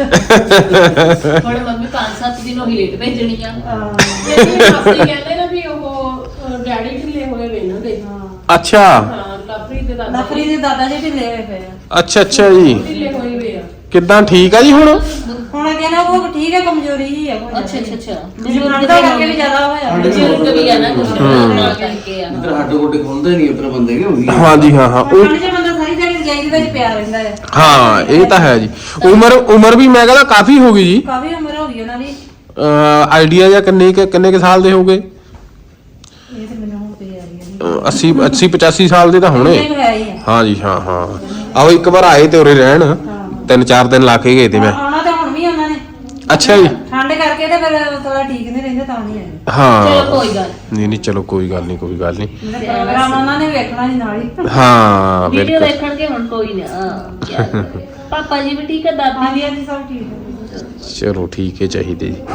[SPEAKER 1] ਹੁਣ ਮੰਮੀ ਪੰਜ ਸੱਤ ਦਿਨ ਉਹੀ ਲੇਟ ਭੇਜਣੀ ਆ।
[SPEAKER 4] ਜਿਹੜੀ ਮਾਸੀ ਕਹਿੰਦੇ ਨਾ ਵੀ ਉਹ ਅਹ, ਡੈਡੀ ਢਿੱਲੇ ਹੋਏ ਵੇ ਇਹਨਾਂ ਦੇ।
[SPEAKER 3] ਅੱਛਾ
[SPEAKER 4] ਹਾਂ ਲਵਪ੍ਰੀਤ ਦੇ ਦਾਦਾ
[SPEAKER 6] ਨਫਰੀ ਦੇ ਦਾਦਾ ਜੀ ਢਿੱਲੇ ਹੋਏ ਪਏ ਆ।
[SPEAKER 3] ਅੱਛਾ ਅੱਛਾ ਜੀ,
[SPEAKER 4] ਢਿੱਲੇ ਹੋਏ ਵੇ ਆ।
[SPEAKER 3] ਕਿੱਦਾਂ ਠੀਕ ਆ ਜੀ ਹੁਣ?
[SPEAKER 6] ਹੁਣ ਕਹਿੰਦਾ ਉਹ ਠੀਕ ਹੈ, ਕਮਜ਼ੋਰੀ ਹੀ ਆ ਕੋਈ
[SPEAKER 1] ਅੱਛਾ ਅੱਛਾ ਅੱਛਾ
[SPEAKER 6] ਬਜ਼ੁਰਗ ਦਾ ਕਰਕੇ ਵੀ ਜ਼ਿਆਦਾ ਹੋਇਆ
[SPEAKER 1] ਬਜ਼ੁਰਗ ਵੀ ਆ ਨਾ ਕੁਝ ਨਾਲ ਕਰਕੇ ਆ।
[SPEAKER 5] ਇੱਧਰ ਹੱਡ ਗੋਡੇ ਖੁੱਲਦੇ ਨਹੀਂ, ਉੱਧਰ ਬੰਦੇ ਕਿ ਹੁੰਦੀ
[SPEAKER 3] ਹਾਂਜੀ ਹਾਂ ਹਾਂ ਉਹ-
[SPEAKER 6] ਠੰਡ 'ਚ ਬੰਦਾ ਸਾਰੀ ਦਿਹਾੜੀ ਰਜਾਈ ਦੇ ਵਿੱਚ ਪਿਆ ਰਹਿੰਦਾ ਹੈ।
[SPEAKER 3] ਹਾਂ ਇਹ ਤਾਂ ਹੈ ਜੀ। ਉਮਰ ਉਮਰ ਵੀ ਮੈਂ ਕਹਿੰਦਾ ਕਾਫੀ ਹੋ ਗਈ ਜੀ।
[SPEAKER 6] ਕਾਫੀ ਉਮਰ ਹੋ ਗਈ ਉਹਨਾਂ ਦੀ।
[SPEAKER 3] ਆਈਡੀਆ ਜਾਂ ਕਿੰਨੇ ਕੁ- ਕਿੰਨੇ ਕੁ ਸਾਲ ਦੇ ਹੋਗੇ?
[SPEAKER 6] ਇਹ ਤੇ ਮੈਨੂੰ ਹੁਣ ਪਈ ਆ ਰਹੀ ਹੈ
[SPEAKER 3] ਅੱਸੀ ਅੱਸੀ ਪਚਾਸੀ ਸਾਲ ਦੇ ਤਾਂ ਹੋਣੇ।
[SPEAKER 6] ਇਹ ਹੈ ਹੀ ਆ।
[SPEAKER 3] ਹਾਂ ਜੀ ਹਾਂ ਹਾਂ। ਆਓ ਇੱਕ ਵਾਰ ਆਏ ਤੇ ਉਰੇ ਰਹਿਣ, ਤਿੰਨ ਚਾਰ ਦਿਨ ਲਾ ਕੇ ਗਏ ਤੇ ਮੈਂ।
[SPEAKER 6] ਆਉਣਾ ਤਾਂ ਹੁਣ ਵੀ ਉਹਨਾਂ ਨੇ
[SPEAKER 3] ਅੱਛਾ ਜੀ।
[SPEAKER 6] ਠੰਡ ਕਰਕੇ ਤੇ ਫਿਰ ਥੋੜਾ ਠੀਕ ਨਹੀਂ ਰਹਿੰਦੇ ਤਾਂ ਨਹੀਂ ਆਏ।
[SPEAKER 3] ਹਾਂ
[SPEAKER 1] ਚਲੋ ਕੋਈ ਗੱਲ
[SPEAKER 3] ਨਹੀਂ ਨਹੀਂ ਚਲੋ ਕੋਈ ਗੱਲ ਨਹੀਂ ਕੋਈ ਗੱਲ ਨਹੀਂ
[SPEAKER 6] ਪ੍ਰੋਗਰਾਮ ਉਹਨਾਂ ਨੇ ਵੇਖਣਾ ਸੀ ਨਾਲ ਹੀ
[SPEAKER 3] ਹਾਂ
[SPEAKER 1] ਵੀਡੀਓ
[SPEAKER 3] ਬਿਲਕੁਲ
[SPEAKER 1] ਦੇਖਣਗੇ ਹੁਣ ਕੋਈ ਨਾ ਕਿਆ ਕਰੇ। ਪਾਪਾ ਜੀ ਵੀ ਠੀਕ ਹੈ, ਦਾਦੀ
[SPEAKER 6] ਹਾਂਜੀ ਹਾਂਜੀ ਸਭ ਠੀਕ ਹੈ
[SPEAKER 3] ਚਲੋ ਠੀਕ ਹੈ ਚਾਹੀਦੇ ਜੀ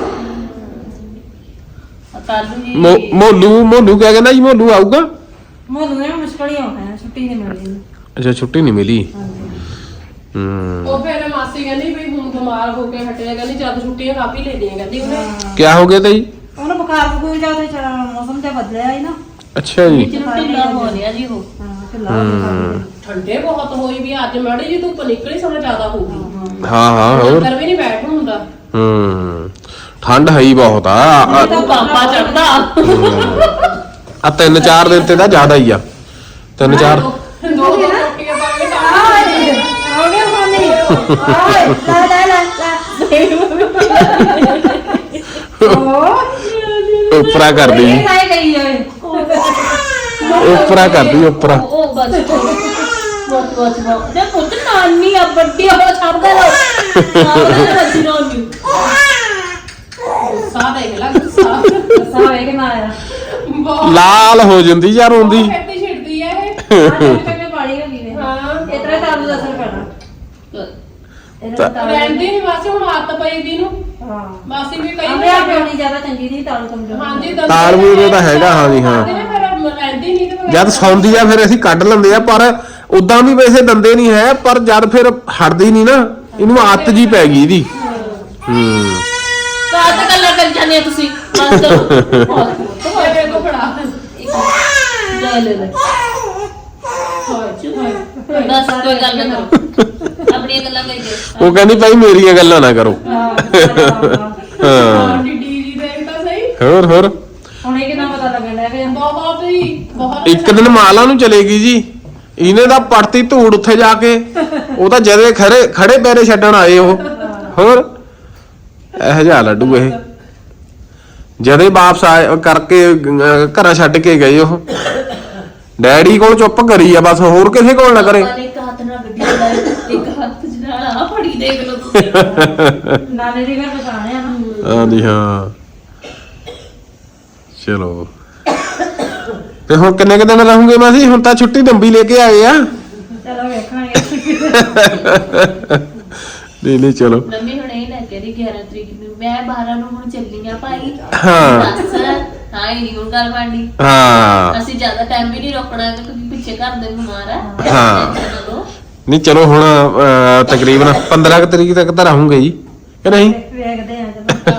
[SPEAKER 1] ਕਾਲੂ ਜੀ
[SPEAKER 3] ਮੋ- ਮੋਲੂ ਮੋਲੂ ਕਿਆ ਕਹਿੰਦਾ ਜੀ ਮੋਲੂ ਆਊਗਾ
[SPEAKER 6] ਮੈਨੂੰ ਨੇ ਮੁਸ਼ਕਲ ਹੀ ਆਉਣਾ ਹੈ, ਛੁੱਟੀ ਨਹੀਂ ਮਿਲਦੀ
[SPEAKER 3] ਅੱਛਾ ਛੁੱਟੀ ਨਹੀਂ ਮਿਲੀ ਹੂੰ
[SPEAKER 4] ਉਹ ਫਿਰ ਮਾਸੀ ਕਹਿੰਦੀ ਵੀ ਹੁਣ ਬਿਮਾਰ ਹੋ ਕੇ ਹਟਿਆ, ਕਹਿੰਦੀ ਜਦ ਛੁੱਟੀਆਂ ਕਾਫੀ ਲੈ ਲਈਆਂ ਕਹਿੰਦੀ ਉਹਨੇ।
[SPEAKER 3] ਕਿਆ ਹੋ ਗਿਆ ਤਾ ਜੀ
[SPEAKER 6] ਉਹਨੂੰ ਬੁਖਾਰ ਬੁਖੂਰ ਜਾ ਤੇ ਮੌਸਮ ਤੇ ਬਦਲਿਆ ਹੀ ਨਾ
[SPEAKER 3] ਅੱਛਾ ਜੀ
[SPEAKER 1] ਚਲੋ ਢਿੱਲਾ ਹੋ ਰਿਹਾ ਜੀ ਉਹ
[SPEAKER 6] ਹਾਂ ਢਿੱਲਾ ਹੋ ਗਿਆ
[SPEAKER 4] ਠੰਡੇ ਬਹੁਤ ਹੋਈ ਵੀ ਅੱਜ ਮਾੜੀ ਜੀ ਧੁੱਪ ਨਿਕਲੀ ਸਮਾਂ ਜ਼ਿਆਦਾ ਹੋ ਗਈ,
[SPEAKER 3] ਹਾਂ ਹਾਂ ਹੋਰ
[SPEAKER 4] ਅੰਦਰ ਵੀ ਨਹੀਂ ਬੈਠ ਹੁੰਦਾ।
[SPEAKER 3] ਹੂੰ ਠੰਡ ਹੈ ਹੀ ਬਹੁਤ ਆ ਆ-
[SPEAKER 1] ਤਾਂ ਪਾਪਾ ਚੜਦਾ
[SPEAKER 3] ਆ ਤਿੰਨ ਚਾਰ ਦਿਨ ਤੇ ਤਾਂ ਜ਼ਿਆਦਾ ਹੀ ਆ ਤਿੰਨ ਚਾਰ
[SPEAKER 4] ਦੋ ਦੋ ਰੋਟੀਆਂ ਪਾ ਕੇ ਖਾ ਲਈਆਂ।
[SPEAKER 6] ਹੋ ਗਿਆ ਮਾਮੀ ਓਏ ਲੈ ਲੈ ਲੈ ਉਹ
[SPEAKER 3] ਉਪਰਾ ਕਰਦੀ ਜੀ
[SPEAKER 6] ਇਹ ਕਾਇ ਗਈ ਓਏ
[SPEAKER 3] ਉਪਰਾ ਕਰਦੀ ਉਪਰਾ
[SPEAKER 1] ਉਹ ਬਸ ਬਹੁਤ ਬਹੁਤ ਬਹੁਤ ਜੇ ਪੁੱਤ ਨਾਨੀ ਆ ਵੱਡੀ ਹੋ ਛੱਡ ਦੇ ਲੋ ਨਾਨੀ ਨਾਨੀ
[SPEAKER 4] ਸਾਹ ਦੇਖ ਲੈ ਗੁੱਸਾ
[SPEAKER 6] ਸਾਵੇ ਕਿ ਨਾ ਆਇਆ
[SPEAKER 4] ਬਹੁਤ
[SPEAKER 3] ਲਾਲ ਹੋ ਜਾਂਦੀ ਯਾਰ ਹੁੰਦੀ
[SPEAKER 4] ਖੇਤੀ ਛਿੜਦੀ ਆ ਇਹ।
[SPEAKER 6] ਕਿੰਨੇ ਪਾਣੀ ਹੋ ਗਈ ਨੇ
[SPEAKER 4] ਹਾਂ
[SPEAKER 6] ਇਤਰਾ ਤਾਲੂ ਦਾ ਅਸਰ ਪੈਣਾ ਇਹਦਾ ਤਾਲੂ
[SPEAKER 4] ਰਹਿੰਦੀ ਨਹੀਂ ਬਸ ਹੁਣ ਆਦਤ ਪਈ ਦੀ ਨੂੰ
[SPEAKER 6] ਹਾਂ
[SPEAKER 4] ਮਾਸੀ ਵੀ ਕਈ
[SPEAKER 6] ਆਪਣੇ ਆਪ ਪਿਉਣੀ ਜ਼ਿਆਦਾ ਚੰਗੀ ਨਹੀਂ ਤਾਲੂ ਕਮਜ਼ੋਰ
[SPEAKER 4] ਹਾਂਜੀ
[SPEAKER 3] ਤਾਲਮੇਲ ਇਹਦਾ ਹੈਗਾ, ਹਾਂਜੀ, ਹਾਂ।
[SPEAKER 4] ਰਹਿੰਦੀ ਨਹੀਂ ਤੇ
[SPEAKER 3] ਜਦ ਸੌਂਦੀ ਆ ਫਿਰ ਅਸੀਂ ਕੱਢ ਲੈਂਦੇ ਆ ਪਰ ਉਦਾਂ ਵੀ ਵੈਸੇ ਦੰਦੇ ਨਹੀਂ ਹੈ ਪਰ ਜਦ ਫਿਰ ਹਟਦੀ ਨਹੀਂ ਨਾ ਇਹਨੂੰ ਆਦਤ ਜੀ ਪੈ ਗਈ ਇਹਦੀ ਹੂੰ
[SPEAKER 1] ਕਾਹ ਤੇ ਗੱਲਾਂ ਕਰੀ ਜਾਂਦੇ ਹੋ ਤੁਸੀਂ ਬਸ ਕਰੋ
[SPEAKER 4] ਤੁਹਾਡੇ ਕੋ ਫੜਾ
[SPEAKER 1] ਲੈ ਲੈ ਲੈ ਬਸ ਕੋਈ ਗੱਲ ਨਾ ਕਰੋ ਆਪਣੀਆਂ ਗੱਲਾਂ ਕਰੀ ਜਾਓ
[SPEAKER 3] ਉਹ ਕਹਿੰਦੀ ਭਾਈ ਮੇਰੀਆਂ ਗੱਲਾਂ ਨਾ ਕਰੋ ਹਾਂ
[SPEAKER 4] ਡੀ ਜੀ ਦੇਖ ਤਾਂ ਸਹੀ
[SPEAKER 3] ਹੋਰ ਹੋਰ
[SPEAKER 6] ਹੁਣ ਇਹ ਕਿੰਨਾ ਪਤਾ ਲੱਗਣ ਲੱਗ ਪਿਆ
[SPEAKER 4] ਬਹੁਤ ਹੀ ਬਹੁਤ
[SPEAKER 3] ਇੱਕ ਦਿਨ ਮਾਲਾ ਨੂੰ ਚਲੇਗੀ ਜੀ ਇਹਨੇ ਦਾ ਪੜਤੀ ਧੂੜ ਉੱਥੇ ਜਾ ਕੇ ਉਹ ਤਾਂ ਜਦੇ ਖੜੇ ਖੜੇ ਪੈਰੇ ਛੱਡਣ ਆਏ ਉਹ ਹੋਰ ਇਹ ਜਿਹਾ ਲੱਡੂ ਇਹ ਜਦੇ ਵਾਪਸ ਆਏ ਕਰਕੇ ਅਹ, ਘਰਾਂ ਛੱਡ ਕੇ ਗਏ ਉਹ ਡੈਡੀ ਕੋਲ ਚੁੱਪ ਕਰੀ ਆ ਬਸ ਹੋਰ ਕਿਸੇ ਕੋਲ ਨਾ ਕਰੇ
[SPEAKER 1] ਪਾਪਾ ਨੇ ਇੱਕ ਹੱਥ ਨਾਲ ਗੱਡੀ ਚਲਾਈ ਇੱਕ ਹੱਥ ਨਾਲ ਆ ਫੜੀ ਦੇਖ ਲਓ ਤੁਸੀਂ
[SPEAKER 6] ਨਾਨੇ ਦੀ ਘਰ ਪਛਾਣਿਆ ਨਾ
[SPEAKER 3] ਹਾਂਜੀ ਹਾਂ ਚਲੋ ਤੇ ਹੁਣ ਕਿੰਨੇ ਕੁ ਦਿਨ ਰਹੋਗੇ ਮਾਸੀ ਹੁਣ ਤਾਂ ਛੁੱਟੀ ਲੰਬੀ ਲੈ ਕੇ ਆਏ ਆ
[SPEAKER 6] ਚਲੋ ਵੇਖਾਂਗੇ
[SPEAKER 3] ਨਹੀਂ ਨਹੀਂ ਚਲੋ
[SPEAKER 1] ਮੰਮੀ ਹੁਣ ਇਹ ਲੈ ਕੇ ਰਹੀ ਗਿਆਰਾਂ ਤਰੀਕ ਨੂੰ ਮੈਂ ਬਾਰਾਂ ਨੂੰ ਹੁਣ ਚੱਲੀ ਆ ਭਾਈ
[SPEAKER 3] ਹਾਂ।
[SPEAKER 1] ਬਸ ਹਾਂ ਇਹ ਨਹੀਂ ਹੁਣ ਗੱਲ ਬਣਨੀ
[SPEAKER 3] ਹਾਂ
[SPEAKER 1] ਅਸੀਂ ਜ਼ਿਆਦਾ ਟਾਈਮ ਵੀ ਨਹੀਂ ਰੋਕਣਾ ਕਿਉਂਕਿ ਪਿੱਛੇ ਘਰ ਦੇ ਬਿਮਾਰ ਆ
[SPEAKER 3] ਹਾਂ।
[SPEAKER 1] ਚਲੋ
[SPEAKER 3] ਨਹੀਂ ਚਲੋ ਹੁਣ ਅਹ, ਤਕਰੀਬਨ ਪੰਦਰਾਂ ਕੁ ਤਰੀਕ ਤੱਕ ਤਾਂ ਰਹੂੰਗੇ ਜੀ ਕਿ ਨਹੀਂ
[SPEAKER 6] ਵੇਖਦੇ ਆ ਜਦੋਂ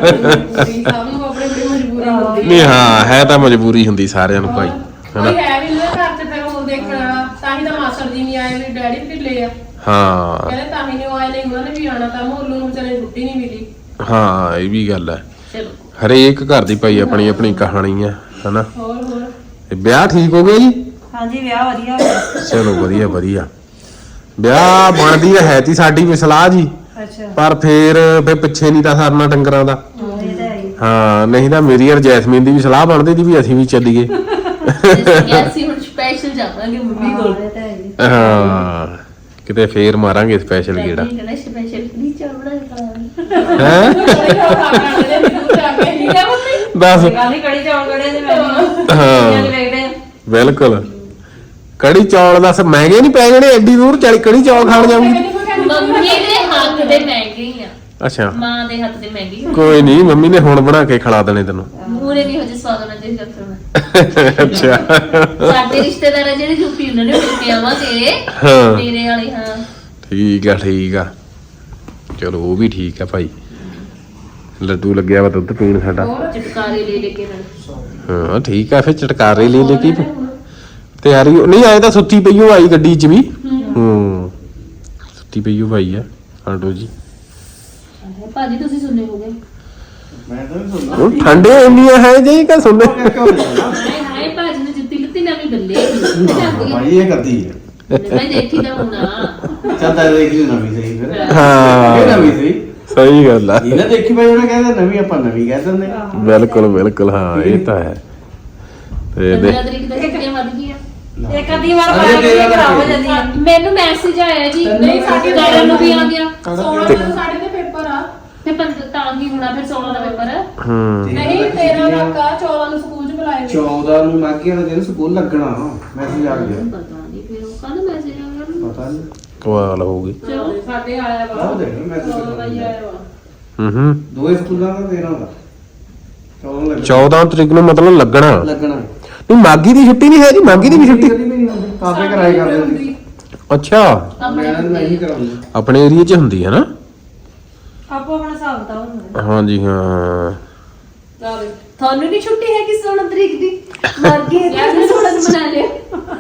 [SPEAKER 4] ਸਭ ਨੂੰ ਆਪਣੀ ਬੜੀ ਮਜਬੂਰੀ ਹੁੰਦੀ
[SPEAKER 3] ਨਹੀਂ ਹਾਂ ਹੈ ਤਾਂ ਮਜਬੂਰੀ ਹੁੰਦੀ ਸਾਰਿਆਂ ਨੂੰ ਭਾਈ
[SPEAKER 4] ਕੋਈ
[SPEAKER 3] ਹਨਾ
[SPEAKER 4] ਹੈ ਵੀ ਨਹੀਂ ਘਰ ਚ ਫਿਰ ਉਹ ਦੇਖਣ ਵਾਲਾ ਤਾਂ ਹੀ ਤਾਂ ਮਾਸਟਰ ਜੀ ਨਹੀਂ ਆਏ ਵੀ ਡੈਡੀ ਵੀ ਢਿੱਲੇ ਆ
[SPEAKER 3] ਹਾਂ
[SPEAKER 4] ਕਹਿੰਦੇ ਤਾਂ ਹੀ ਨਹੀਂ ਉਹ ਆਏ ਨਹੀਂ ਉਹਨਾਂ ਨੇ ਵੀ ਆਉਣਾ ਤਾਂ ਮੋਲੂ ਨੂੰ ਵਿਚਾਰੇ ਛੁੱਟੀ ਨਹੀਂ ਮਿਲੀ
[SPEAKER 3] ਹਾਂ ਇਹ ਵੀ ਗੱਲ ਹੈ
[SPEAKER 1] ਚਲੋ
[SPEAKER 3] ਹਰੇਕ ਘਰ ਦੀ ਭਾਈ ਆਪਣੀ ਆਪਣੀ ਕਹਾਣੀ ਹੈ ਹਨਾ
[SPEAKER 4] ਹੋਰ ਹੋਰ
[SPEAKER 3] ਤੇ ਵਿਆਹ ਠੀਕ ਹੋ ਗਿਆ ਜੀ
[SPEAKER 6] ਹਾਂਜੀ ਵਿਆਹ ਵਧੀਆ ਹੋ ਗਿਆ
[SPEAKER 3] ਚਲੋ ਵਧੀਆ ਵਧੀਆ ਵਿਆਹ ਬਣਦੀ ਤਾਂ ਹੈ ਤੀ ਸਾਡੀ ਵੀ ਸਲਾਹ ਜੀ
[SPEAKER 6] ਅੱਛਾ
[SPEAKER 3] ਪਰ ਫੇਰ ਫੇ ਪਿੱਛੇ ਨਹੀਂ ਤਾਂ ਸਰਨਾ ਡੰਗਰਾਂ ਦਾ
[SPEAKER 6] ਹਾਂ, ਇਹ ਤਾਂ ਹੈ ਹੀ।
[SPEAKER 3] ਹਾਂ ਨਹੀਂ ਤਾਂ ਮੇਰੀ ਔਰ ਜੈਸਮੀਨ ਦੀ ਵੀ ਸਲਾਹ ਬਣਦੀ ਸੀ ਵੀ ਅਸੀਂ ਵੀ ਚੱਲੀਏ
[SPEAKER 1] ਅਸੀਂ ਹੁਣ ਸਪੈਸ਼ਲ ਜਾਵਾਂਗੇ ਮੰਮੀ ਕੋਲ
[SPEAKER 6] ਹਾਂ, ਇਹ ਤਾਂ ਹੈ ਹੀ।
[SPEAKER 3] ਹਾਂ ਕਿਤੇ ਫੇਰ ਮਾਰਾਂਗੇ ਸਪੈਸ਼ਲ ਗੇੜਾ
[SPEAKER 1] ਕਿਹੜਾ ਸਪੈਸ਼ਲ ਨਹੀਂ ਚਾਵੜਾ ਕਰਾਂਗੇ
[SPEAKER 3] ਹੈ
[SPEAKER 4] ਥੋੜੀ ਹੋਰ ਖਾ ਕੇ ਦੇ ਦੂਰ ਜਾ ਕੇ ਠੀਕ ਹੈ ਮੰਮੀ
[SPEAKER 3] ਦੱਸ
[SPEAKER 6] ਇਹ ਗੱਲ ਹੀ ਕੜੀ ਚੌਲ ਕੜੇ ਦੇ ਮੈਂ
[SPEAKER 3] ਹਾਂ
[SPEAKER 6] ਵੇਖਦੇ ਆ
[SPEAKER 3] ਬਿਲਕੁਲ ਕੜੀ ਚੌਲ ਦੱਸ ਮਹਿੰਗੇ ਨਹੀਂ ਪੈ ਜਾਣੇ ਐਡੀ ਦੂਰ ਚੱਲ ਕੜੀ ਚੌਲ ਖਾਣ ਜਾਊਂਗੀ
[SPEAKER 1] ਮੰਮੀ ਦੇ ਹੱਥ ਦੇ ਮਹਿੰਗੇ ਹੀ ਆ
[SPEAKER 3] ਅੱਛਾ
[SPEAKER 1] ਮਾਂ ਦੇ ਹੱਥ ਦੇ ਮਹਿੰਗੇ ਹੀ ਆ।
[SPEAKER 3] ਕੋਈ ਨਹੀਂ ਮੰਮੀ ਨੇ ਹੁਣ ਬਣਾ ਕੇ ਖਿਲਾ ਦੇਣੇ ਤੈਨੂੰ
[SPEAKER 1] ਮੂਰੇ ਨਹੀਂ ਹੋ ਜੇ ਸਵਾਦ ਨਾਲ ਜੇ ਕਰਨਾ
[SPEAKER 3] ਅੱਛਾ
[SPEAKER 1] ਸਾਡੇ ਰਿਸ਼ਤੇਦਾਰ ਆ ਜਿਹੜੇ ਯੂਪੀ ਉਹਨਾਂ ਨੇ ਮਿਲ ਕੇ ਆਵਾਂਗੇ
[SPEAKER 3] ਹਾਂ।
[SPEAKER 1] ਮੇਰੇ ਵਾਲੇ ਹਾਂ
[SPEAKER 3] ਠੀਕ ਆ ਠੀਕ ਆ ਚਲੋ ਉਹ ਵੀ ਠੀਕ ਆ ਭਾਈ ਲੱਡੂ ਲੱਗਿਆ ਵਾ ਦੁੱਧ ਪੀਣ ਸਾਡਾ
[SPEAKER 1] ਚਟਕਾਰੇ ਲੈ ਲੈ ਕੇ ਨਾਲ
[SPEAKER 3] ਹਾਂ ਠੀਕ ਆ ਫਿਰ ਚਟਕਾਰੇ ਲੈ ਲੈ ਕੀ ਤਿਆਰੀ ਨਹੀਂ ਆਏ ਤਾਂ ਸੁੱਤੀ ਪਈ ਉਹ ਆਈ ਗੱਡੀ 'ਚ ਵੀ ਹੂੰ ਸੁੱਤੀ ਪਈ ਉਹ ਭਾਈ ਆ ਆਟੋ ਜੀ
[SPEAKER 1] ਭਾਜੀ ਤੁਸੀਂ ਸੁਣਨੇ ਹੋਗੇ
[SPEAKER 5] ਮੈਂ ਤਾਂ ਨਹੀਂ ਸੁਣਦਾ
[SPEAKER 3] ਉਹ ਠੰਡੇ ਇੰਨੀਆਂ ਹੈ ਜੀ ਕਿ ਸੁਣਨੇ
[SPEAKER 1] ਹਾਏ ਹਾਏ ਭਾਜੀ ਨੇ ਜੁੱਤੀ ਲੱਤੀ ਨਵੀਂ ਬੱਲੇ ਤੇ ਜਾਂਦੀ
[SPEAKER 5] ਭਾਈ ਇਹ ਕਰਦੀ ਹੈ
[SPEAKER 1] ਮੈਂ ਦੇਖੀ ਤਾਂ ਹੁਣਾ
[SPEAKER 5] ਚੱਲ ਤਾਂ ਦੇਖ ਲਈ ਨਵੀਂ ਸਹੀ ਫਿਰ
[SPEAKER 3] ਹਾਂ।
[SPEAKER 5] ਇਹ ਨਵੀਂ ਸਹੀ
[SPEAKER 3] ਸਹੀ ਗੱਲ ਆ
[SPEAKER 5] ਇਹਨਾਂ ਦੇਖੀ ਭਾਈ ਉਹਨੇ ਕਹਿੰਦਾ ਨਵੀਂ ਆਪਾਂ ਨਵੀਂ ਕਹਿ ਦਿੰਦੇ
[SPEAKER 3] ਬਿਲਕੁਲ ਬਿਲਕੁਲ ਹਾਂ ਇਹ ਤਾਂ ਹੈ ਤੇ ਦੇ
[SPEAKER 1] ਪੰਦਰਾਂ ਤਰੀਕ ਤੱਕ ਛੁੱਟੀਆਂ ਵੱਧ ਗਈਆਂ
[SPEAKER 6] ਇੱਕ ਅੱਧੀ ਵਾਰ ਪਾਇਆ ਕਿ ਖਰਾਬ ਹੋ ਜਾਂਦੀ ਆ
[SPEAKER 1] ਮੈਨੂੰ ਮੈਸੇਜ ਆਇਆ ਜੀ
[SPEAKER 4] ਨਹੀਂ, ਸਾਡੇ
[SPEAKER 1] ਸਾਡੀ ਨੂੰ ਵੀ ਆ ਗਿਆ
[SPEAKER 4] ਸੋਲਾਂ ਨੂੰ ਸਾਡੇ ਤੇ ਪੇਪਰ ਆ
[SPEAKER 1] ਤੇ ਪੰਦ ਤਾਂ ਹੀ ਹੋਣਾ ਫਿਰ ਸੋਲਾਂ ਦਾ ਪੇਪਰ।
[SPEAKER 3] ਹੂੰ
[SPEAKER 4] ਨਹੀਂ ਤੇਰਾਂ ਤੱਕ ਆ, ਚੌਦਾਂ ਨੂੰ ਸਕੂਲ ਚ ਬੁਲਾਏ ਹੋਏ।
[SPEAKER 5] ਚੌਦਾਂ ਨੂੰ ਮਾਗੀ ਵਾਲੇ ਦਿਨ ਸਕੂਲ ਲੱਗਣਾ ਮੈਸੇਜ ਆ ਗਿਆ
[SPEAKER 1] ਪਤਾ ਨਹੀਂ ਫਿਰ ਉਹ ਕੱਲ ਮੈਸੇਜ ਆ ਗਿਆ।
[SPEAKER 5] ਪਤਾ ਨਹੀਂ
[SPEAKER 3] ਕਮਾਲ ਹੋਊਗੀ।
[SPEAKER 4] ਸਾਡੇ ਆਇਆ ਵਾ
[SPEAKER 5] ਆਹ ਦੇਖ ਮੈਸੇਜ
[SPEAKER 4] ਚੌਦਾਂ ਦਾ ਹੀ ਆਇਆ ਵਾ।
[SPEAKER 3] ਹੂੰ ਹੂੰ
[SPEAKER 5] ਦੋਏ ਸਕੂਲਾਂ ਦਾ ਤੇਰਾਂ ਦਾ ਚੌਦਾਂ ਲੱਗਣਾ
[SPEAKER 3] ਚੌਦਾਂ ਤਰੀਕ ਨੂੰ ਮਤਲਬ ਲੱਗਣਾ।
[SPEAKER 5] ਲੱਗਣਾ
[SPEAKER 3] ਨਹੀਂ ਮਾਗੀ ਦੀ ਛੁੱਟੀ ਨਹੀਂ ਹੈ ਜੀ, ਮਾਗੀ ਦੀ ਵੀ ਛੁੱਟੀ।
[SPEAKER 5] ਕਦੀ ਵੀ ਨਹੀਂ ਹੁੰਦੀ ਕਾਫੇ ਕਰਾਏ ਕਰਦੇ ਹੁੰਦੀ
[SPEAKER 3] ਅੱਛਾ
[SPEAKER 5] ਮੈਂ ਮੈਂ ਹੀ ਕਰਾਉਂਦਾ
[SPEAKER 3] ਆਪਣੇ ਏਰੀਆ 'ਚ ਹੁੰਦੀ ਹੈ ਨਾ।
[SPEAKER 6] ਆਪੋ ਆਪਣਾ ਹਿਸਾਬ ਤਾਂ ਹੁੰਦਾ।
[SPEAKER 3] ਹਾਂਜੀ ਹਾਂ
[SPEAKER 4] ਚੱਲ
[SPEAKER 1] ਤੁਹਾਨੂੰ ਨਹੀਂ ਛੁੱਟੀ ਹੈ ਕਿ ਸੋਲਾਂ ਤਰੀਕ ਦੀ? ਮਰ ਗਏ ਤੇ ਸੋਲਾਂ ਨੂੰ ਬਣਾ ਲਿਆ।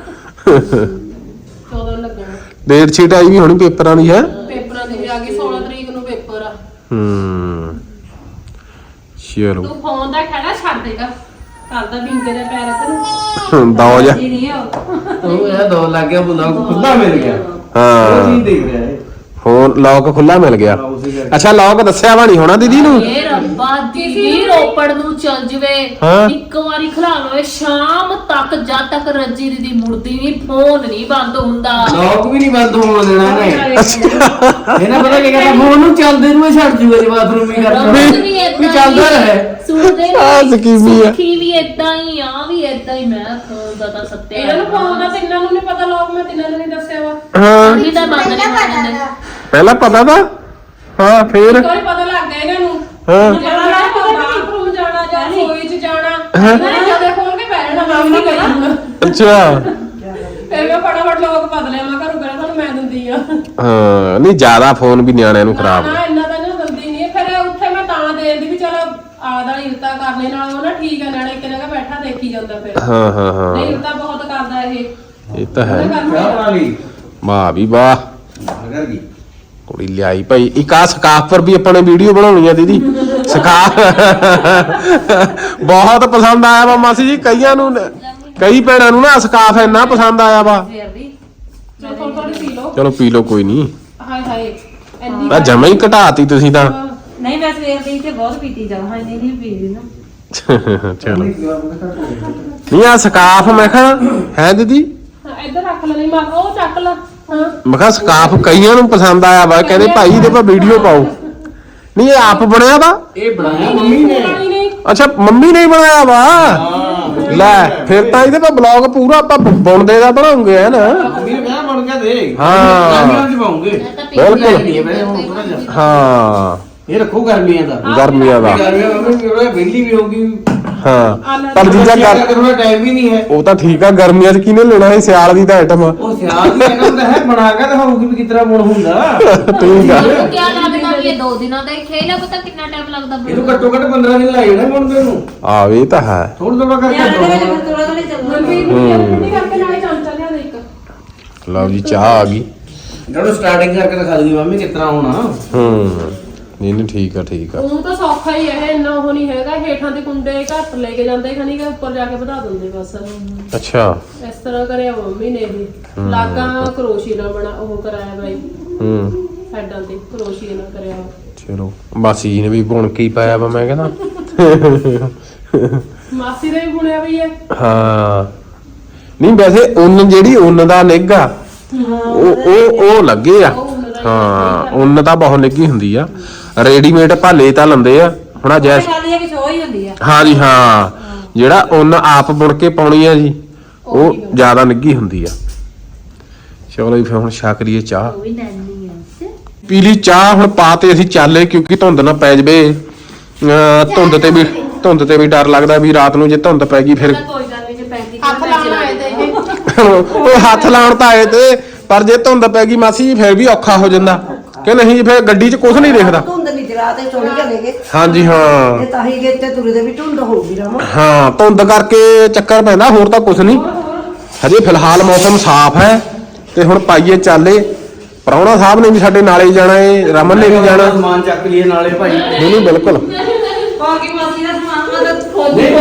[SPEAKER 4] ਚੌਦਾਂ ਨੂੰ ਲੱਗਣਾ।
[SPEAKER 3] ਡੇਟ ਸ਼ੀਟ ਆਈ ਵੀ ਹੋਣੀ ਪੇਪਰਾਂ ਦੀ ਹੈ।
[SPEAKER 4] ਪੇਪਰਾਂ ਦੀ ਵੀ ਆ ਗਈ, ਸੋਲਾਂ ਤਰੀਕ ਨੂੰ ਪੇਪਰ ਆ।
[SPEAKER 3] ਹੂੰ ਚਲੋ
[SPEAKER 4] ਤੂੰ ਫੋਨ ਦਾ ਖੜਾ ਛੱਡ ਦੇਗਾ, ਕਰਦਾ ਬਿੰਗੇ ਦੇ ਪੈਰ ਤੈਨੂੰ।
[SPEAKER 3] ਦੋ ਜਾ
[SPEAKER 6] ਜੀ ਨਹੀਂ ਹੋ
[SPEAKER 5] ਉਹ ਇਹ ਦੋ ਲੱਗ ਗਿਆ ਬੁਲਾ ਖੁੱਲਾ ਮਿਲ ਗਿਆ ਉਹ
[SPEAKER 3] ਹਾਂ
[SPEAKER 5] ਚੀਜ਼ ਦੇਖ ਰਿਹਾ ਹੈ
[SPEAKER 3] ਫੋਨ ਲੌਕ ਖੁੱਲਾ ਮਿਲ ਗਿਆ।
[SPEAKER 5] ਉਸੇ ਕਰਕੇ
[SPEAKER 3] ਅੱਛਾ ਲੌਕ ਦੱਸਿਆ ਵਾ ਨਹੀਂ ਹੋਣਾ ਦੀਦੀ ਨੂੰ।
[SPEAKER 1] ਇਹ ਰੱਬਾ ਦੀਦੀ ਰੋਪੜ ਨੂੰ ਚੱਲ ਜਵੇ,
[SPEAKER 3] ਹਾਂ।
[SPEAKER 1] ਇੱਕ ਵਾਰੀ ਖਲਾ ਲਵੇ ਸ਼ਾਮ ਤੱਕ, ਜਦ ਤੱਕ ਰੱਜੀ ਦੀਦੀ ਮੁੜਦੀ ਨਹੀਂ ਫੋਨ ਨਹੀਂ ਬੰਦ ਹੁੰਦਾ।
[SPEAKER 5] ਲੋਕ ਵੀ ਨਹੀਂ ਬੰਦ ਹੋਣ ਦੇਣਾ ਨੇ ਇਹਨਾਂ ਪਤਾ ਕੀ ਕਰਨਾ ਫੋਨ ਨੂੰ ਚੱਲਦੇ ਨੂੰ ਹੀ ਛੱਡ ਜੂਗਾ ਜੇ ਬਾਥਰੂਮ ਹੀ ਕਰਦਾ
[SPEAKER 1] ਰੋਜ਼ ਵੀ
[SPEAKER 5] ਵੀ
[SPEAKER 1] ਏਦਾਂ
[SPEAKER 5] ਚੱਲਦਾ
[SPEAKER 1] ਹੀ
[SPEAKER 5] ਰਹੇ
[SPEAKER 1] ਸੁਣਦੇ
[SPEAKER 3] ਆਹ
[SPEAKER 1] ਨੇ
[SPEAKER 3] ਸਕੀਮੀ ਆ।
[SPEAKER 1] ਸੁੱਖੀ ਵੀ ਏਦਾਂ ਹੀ ਆ ਵੀ ਏਦਾਂ ਹੀ। ਮੈਂ ਫੋਨ ਦਾ ਤਾਂ ਸੱਤੇ
[SPEAKER 4] ਇਹਨਾਂ ਨੂੰ ਫੋਨ ਦਾ ਤਿੰਨਾਂ ਨੂੰ ਨਹੀਂ ਪਤਾ, ਲੋਕ ਮੈਂ ਤਿੰਨਾਂ ਨੂੰ ਨਹੀਂ ਦੱਸਿਆ ਵਾ।
[SPEAKER 3] ਹਾਂ
[SPEAKER 1] ਉਹੀ ਤਾਂ ਬੰਦ ਨਹੀਂ ਹੋਣੇ।
[SPEAKER 3] ਪਹਿਲਾਂ ਪਤਾ ਤਾਂ ਹਾਂ ਫੇਰ
[SPEAKER 4] ਇੱਕ ਵਾਰੀ ਪਤਾ ਲੱਗ ਗਿਆ ਇਹਨਾਂ ਨੂੰ
[SPEAKER 3] ਹਾਂ
[SPEAKER 4] ਜਾਣਾ ਬਾਥਰੂਮ ਜਾਣਾ ਜਾਂ ਰਸੋਈ ਚ ਜਾਣਾ, ਇਹਨਾਂ ਨੇ ਜਦੋਂ ਖੋਲ ਕੇ ਪੈ ਜਾਣਾ ਮੈਂ ਵੀ ਨਹੀਂ ਗਈ।
[SPEAKER 3] ਅੱਛਾ
[SPEAKER 4] ਫਿਰ ਮੈਂ ਫਟਾਫਟ ਲੋਕ ਬਦਲਿਆ, ਮੈਂ ਘਰੋਂ ਗਿਆ ਤੁਹਾਨੂੰ ਮੈਂ ਦਿੰਦੀ ਆ।
[SPEAKER 3] ਹਾਂ ਨਹੀਂ ਜ਼ਿਆਦਾ ਫੋਨ ਵੀ ਨਿਆਣਿਆਂ ਨੂੰ
[SPEAKER 4] ਨਾ
[SPEAKER 3] ਖਰਾਬ
[SPEAKER 4] ਨਾ ਇੰਨਾ ਤਾਂ ਨਹੀਂ ਦਿੰਦੀ ਨਹੀਂ। ਫਿਰ ਉੱਥੇ ਮੈਂ ਤਾਂ ਦੇ ਦਿੰਦੀ ਵੀ ਚਲ ਆਦਾ ਇਰਤਾ ਕਰਨੇ ਨਾਲ ਉਹ ਨਾ ਠੀਕ ਹੈ, ਨਾਲੇ ਇੱਕ ਜਗ੍ਹਾ ਬੈਠਾ ਦੇਖੀ ਜਾਂਦਾ। ਫਿਰ
[SPEAKER 3] ਹਾਂ ਹਾਂ ਹਾਂ
[SPEAKER 4] ਨਹੀਂ ਇਰਤਾ ਬਹੁਤ ਕਰਦਾ ਇਹ।
[SPEAKER 3] ਇਹ ਤਾਂ ਹੈ।
[SPEAKER 5] ਕਿਆ ਬਣਾ ਲਈ
[SPEAKER 3] ਵਾਹ ਵੀ ਵਾਹ
[SPEAKER 5] ਅਗਰ ਕੀ
[SPEAKER 3] ਕੁੜੀ ਲਿਆਈ ਭਾਈ। ਇੱਕ ਆ ਸਕਾਫ ਪਰ ਵੀ ਆਪਾਂ ਨੇ ਵੀਡੀਓ ਬਣਾਉਣੀ ਆ ਦੀਦੀ। ਸਕਾਫ ਬਹੁਤ ਪਸੰਦ ਆਇਆ ਵਾ ਮਾਸੀ ਜੀ, ਕਈਆਂ ਨੂੰ ਕਈ ਭੈਣਾਂ ਨੂੰ ਨਾ ਸਕਾਫ ਇੰਨਾ ਪਸੰਦ ਆਇਆ ਵਾ।
[SPEAKER 4] ਚਲ ਥੋੜੀ ਥੋੜੀ ਪੀ ਲਓ।
[SPEAKER 3] ਚਲੋ ਪੀ ਲਓ ਕੋਈ ਨਹੀਂ।
[SPEAKER 4] ਹਾਏ ਹਾਏ ਇੰਨੀ
[SPEAKER 3] ਆ ਜਮਾ ਹੀ ਘਟਾਤੀ ਤੁਸੀਂ ਤਾਂ।
[SPEAKER 6] ਨਹੀਂ ਮੈਂ ਸਵੇਰ ਦੀ ਤੇ ਬਹੁਤ ਪੀਤੀ ਜਾ ਹਾਂ ਨਹੀਂ ਨਹੀਂ ਪੀ ਰਹੀ ਨਾ।
[SPEAKER 3] ਚਲੋ ਨਹੀਂ ਆ ਸਕਾਫ ਮੈਂ ਕਿਹਾ ਹੈ ਦੀਦੀ।
[SPEAKER 4] ਹਾਂ, ਇੱਧਰ ਰੱਖ ਲੈ। ਨਹੀਂ ਮੈਂ ਕਿਹਾ ਉਹ ਚੱਕ ਲਾ। ਹਾਂ
[SPEAKER 3] ਮੈਂ ਕਿਹਾ ਸਕਾਫ ਕਈਆਂ ਨੂੰ ਪਸੰਦ ਆਇਆ ਵਾ, ਕਹਿੰਦੇ ਭਾਈ ਇਹਦੇ ਪਰ ਵੀਡੀਓ ਪਾਓ। ਨਹੀਂ ਇਹ ਆਪ ਬਣਿਆ ਵਾ।
[SPEAKER 5] ਇਹ ਬਣਾਇਆ ਮੰਮੀ ਨੇ
[SPEAKER 4] ਪਾਣੀ ਨਹੀਂ।
[SPEAKER 3] ਅੱਛਾ ਮੰਮੀ ਨੇ ਹੀ ਬਣਾਇਆ ਵਾ। ਲੈ ਫਿਰ ਤਾਂ ਇਹਦੇ ਪਰ ਬਲੌਗ ਪੂਰਾ ਆਪਾਂ ਬੁਣਦੇ ਦਾ ਬਣਾਉਂਗੇ ਹੈ ਨਾ।
[SPEAKER 5] ਮੰਮੀ ਨੇ ਕਿਹਾ ਬਣ ਗਿਆ ਦੇ
[SPEAKER 3] ਹਾਂ।
[SPEAKER 5] ਗਰਮੀਆਂ ਚ ਪਾਉਂਗੇ
[SPEAKER 3] ਬਿਲਕੁਲ
[SPEAKER 5] ਨਹੀਂ ਹੈ ਬਈ ਹੁਣ ਥੋੜਾ ਜਿਹਾ
[SPEAKER 3] ਹਾਂ
[SPEAKER 5] ਇਹ ਰੱਖੋ ਗਰਮੀਆਂ ਦਾ
[SPEAKER 3] ਗਰਮੀਆਂ ਦਾ
[SPEAKER 5] ਗਰਮੀਆਂ ਮੰਮੀ ਉਹ ਬਿਜਲੀ ਵੀ ਹੋਊਗੀ
[SPEAKER 3] ਹਾਂ ਪਰ ਜੀਜਾ ਕਰ
[SPEAKER 5] ਥੋੜਾ ਟਾਈਮ ਵੀ ਨਹੀਂ ਹੈ
[SPEAKER 3] ਉਹ ਤਾਂ ਠੀਕ ਆ। ਗਰਮੀਆਂ 'ਚ ਕਿਹਨੇ ਲੈਣਾ ਹੈ? ਸਿਆਲ ਦੀ ਤਾਂ ਆਈਟਮ ਆ।
[SPEAKER 5] ਉਹ ਸਿਆਲ ਦੀ ਇਹਨਾਂ ਦਾ ਹੈ ਬਣਾ ਕੇ ਦਿਖਾਊਗੀ ਵੀ ਕਿਤਨਾ ਬੁਣ ਹੁੰਦਾ
[SPEAKER 3] ਠੀਕ ਆ।
[SPEAKER 1] ਮੈਨੂੰ ਕਿਆ ਲੱਗਦਾ ਵੀ ਇਹ ਦੋ ਦਿਨਾਂ ਦਾ ਹੀ ਖੇਲ ਆ, ਪਤਾ ਕਿੰਨਾ ਟਾਈਮ ਲੱਗਦਾ
[SPEAKER 5] ਇਹਨੂੰ ਘੱਟੋ ਘੱਟ ਪੰਦਰਾਂ ਦਿਨ ਲੱਗ ਜਾਣੇ ਬਣਦੇ ਨੂੰ
[SPEAKER 3] ਆ ਇਹ ਤਾਂ ਹੈ।
[SPEAKER 5] ਥੋੜਾ ਥੋੜਾ ਕਰਕੇ
[SPEAKER 6] ਯਾਰ ਇਹਦੇ ਵਿੱਚ ਫਿਰ ਥੋੜਾ ਥੋੜਾ ਚੱਲਣਾ।
[SPEAKER 4] ਮੰਮੀ ਨੂੰ ਠੰਡੀ ਕਰਕੇ ਨਾਲੇ ਚਮਚਾ ਲਿਆ ਦੇ ਇੱਕ।
[SPEAKER 3] ਲਓ ਜੀ ਚਾਹ ਆ ਗਈ।
[SPEAKER 5] ਜਦੋਂ ਸਟਾਰਟਿੰਗ ਕਰਕੇ ਦਿਖਾ ਦੂਗੀ ਮੰਮੀ ਕਿਤਨਾ ਹੋਣਾ
[SPEAKER 3] ਹੂੰ ਨਹੀਂ ਨਹੀਂ ਠੀਕ ਆ ਠੀਕ ਆ।
[SPEAKER 4] ਉਹ ਤਾਂ ਸੌਖਾ ਹੀ ਹੈ, ਇੰਨਾ ਉਹ ਨਹੀਂ ਹੈਗਾ। ਹੇਠਾਂ ਦੇ ਕੁੰਡੇ ਘੱਟ ਲੈ ਕੇ ਜਾਂਦੇ ਖਣੀ ਕਿ ਉੱਪਰ ਜਾ ਕੇ ਵਧਾ ਦਿੰਦੇ ਬਸ।
[SPEAKER 3] ਅੱਛਾ
[SPEAKER 4] ਇਸ ਤਰ੍ਹਾਂ ਕਰਿਆ ਮੰਮੀ ਨੇ ਇਹ। ਲਾਗਾ ਕਰੋਸ਼ੀ ਨਾਲ ਬਣਾ ਉਹ ਕਰਾਇਆ ਬਾਈ,
[SPEAKER 3] ਹੂੰ
[SPEAKER 4] ਸਾਈਡਾਂ ਤੇ ਕਰੋਸ਼ੀ ਨਾਲ ਕਰਿਆ।
[SPEAKER 3] ਚਲੋ ਮਾਸੀ ਜੀ ਨੇ ਵੀ ਬੁਣ ਕੇ ਹੀ ਪਾਇਆ ਵਾ ਮੈਂ ਕਹਿੰਦਾ।
[SPEAKER 4] ਮਾਸੀ ਦਾ ਵੀ ਬੁਣਿਆ ਵੀ ਹੈ।
[SPEAKER 3] ਹਾਂ ਨਹੀਂ ਵੈਸੇ ਉੱਨ ਜਿਹੜੀ ਉੱਨ ਦਾ ਨਿੱਘ ਆ ਉਹ ਉਹ ਉਹ ਲੱਗੇ ਆ। ਹਾਂ ਉੱਨ ਤਾਂ ਬਹੁਤ ਨਿੱਘੀ ਹੁੰਦੀ ਆ। ਰੈਡੀਮੇਡ ਭਾਲੇ ਤਾਂ ਲੰਦੇ ਆ ਹੁਣ ਆ ਜੈਸ।
[SPEAKER 6] ਗੱਲ ਇਹ ਕਿ ਸ਼ੋਅ ਹੀ ਹੁੰਦੀ ਆ।
[SPEAKER 3] ਹਾਂ ਜੀ ਹਾਂ ਜਿਹੜਾ ਉੱਨ ਆਪ ਬੁਣ ਕੇ ਪਾਉਣੀ ਆ ਜੀ ਉਹ ਜ਼ਿਆਦਾ ਨਿੱਘੀ ਹੁੰਦੀ ਆ। ਚਲੋ ਜੀ ਫਿਰ ਹੁਣ ਛਕ ਲਈਏ ਚਾਹ।
[SPEAKER 1] ਉਹ ਵੀ ਨਾਨੀ ਆ।
[SPEAKER 3] ਪੀ ਲਈ ਚਾਹ। ਹੁਣ ਪਾ ਤੇ ਅਸੀਂ ਚਾਲੇ ਕਿਉਂਕਿ ਧੁੰਦ ਨਾ ਪੈ ਜਵੇ। ਅਹ ਧੁੰਦ ਤੇ ਵੀ ਧੁੰਦ ਤੇ ਵੀ ਡਰ ਲੱਗਦਾ ਵੀ ਰਾਤ ਨੂੰ ਜੇ ਧੁੰਦ ਪੈ ਗਈ ਫਿਰ
[SPEAKER 1] ਕੋਈ ਗੱਲ ਨਹੀਂ ਜੇ ਪੈਂਦੀ
[SPEAKER 4] ਹੱਥ ਲਾਉਣ ਆਏ ਤੇ ਇਹ।
[SPEAKER 3] ਉਹ ਹੱਥ ਲਾਉਣ ਤਾਂ ਆਏ ਤੇ ਪਰ ਜੇ ਧੁੰਦ ਪੈ ਗਈ ਮਾਸੀ ਜੀ ਫਿਰ ਵੀ ਔਖਾ ਹੋ ਜਾਂਦਾ ਕਿ ਨਹੀਂ। ਫਿਰ ਗੱਡੀ 'ਚ ਕੁਝ ਨਹੀਂ ਦਿਖਦਾ।
[SPEAKER 6] ਧੁੰਦ ਨਹੀਂ ਜਰਾ ਤੇ ਚੋਣੀ ਚਲੇਗੇ।
[SPEAKER 3] ਹਾਂਜੀ ਹਾਂ
[SPEAKER 6] ਇਹ ਤਾਂ ਹੀ ਗਏ ਤੇ ਤੁਰੇ ਦੇ ਵੀ ਧੁੰਦ ਹੋਊਗੀ ਰਾਮਾ।
[SPEAKER 3] ਹਾਂ ਧੁੰਦ ਕਰਕੇ ਚੱਕਰ ਪੈਂਦਾ, ਹੋਰ ਤਾਂ ਕੁਝ ਨਹੀਂ। ਹਜੇ ਫਿਲਹਾਲ ਮੌਸਮ ਸਾਫ਼ ਹੈ ਤੇ ਹੁਣ ਪਾਈਏ ਚਾਲੇ। ਪ੍ਰਾਹੁਣਾ ਸਾਹਿਬ ਨੇ ਵੀ ਸਾਡੇ ਨਾਲੇ ਹੀ ਜਾਣਾ ਏ, ਰਮਨ ਨੇ ਵੀ ਜਾਣਾ।
[SPEAKER 5] ਸਮਾਨ ਚੱਕ ਲਈਏ ਨਾਲੇ ਭਾਈ
[SPEAKER 3] ਨਹੀਂ ਨਹੀਂ ਬਿਲਕੁਲ।
[SPEAKER 6] ਹੋਰ ਕੀ ਮਾਸੀ ਦਾ ਸਮਾਨ ਮਦਦ
[SPEAKER 5] ਨਹੀਂ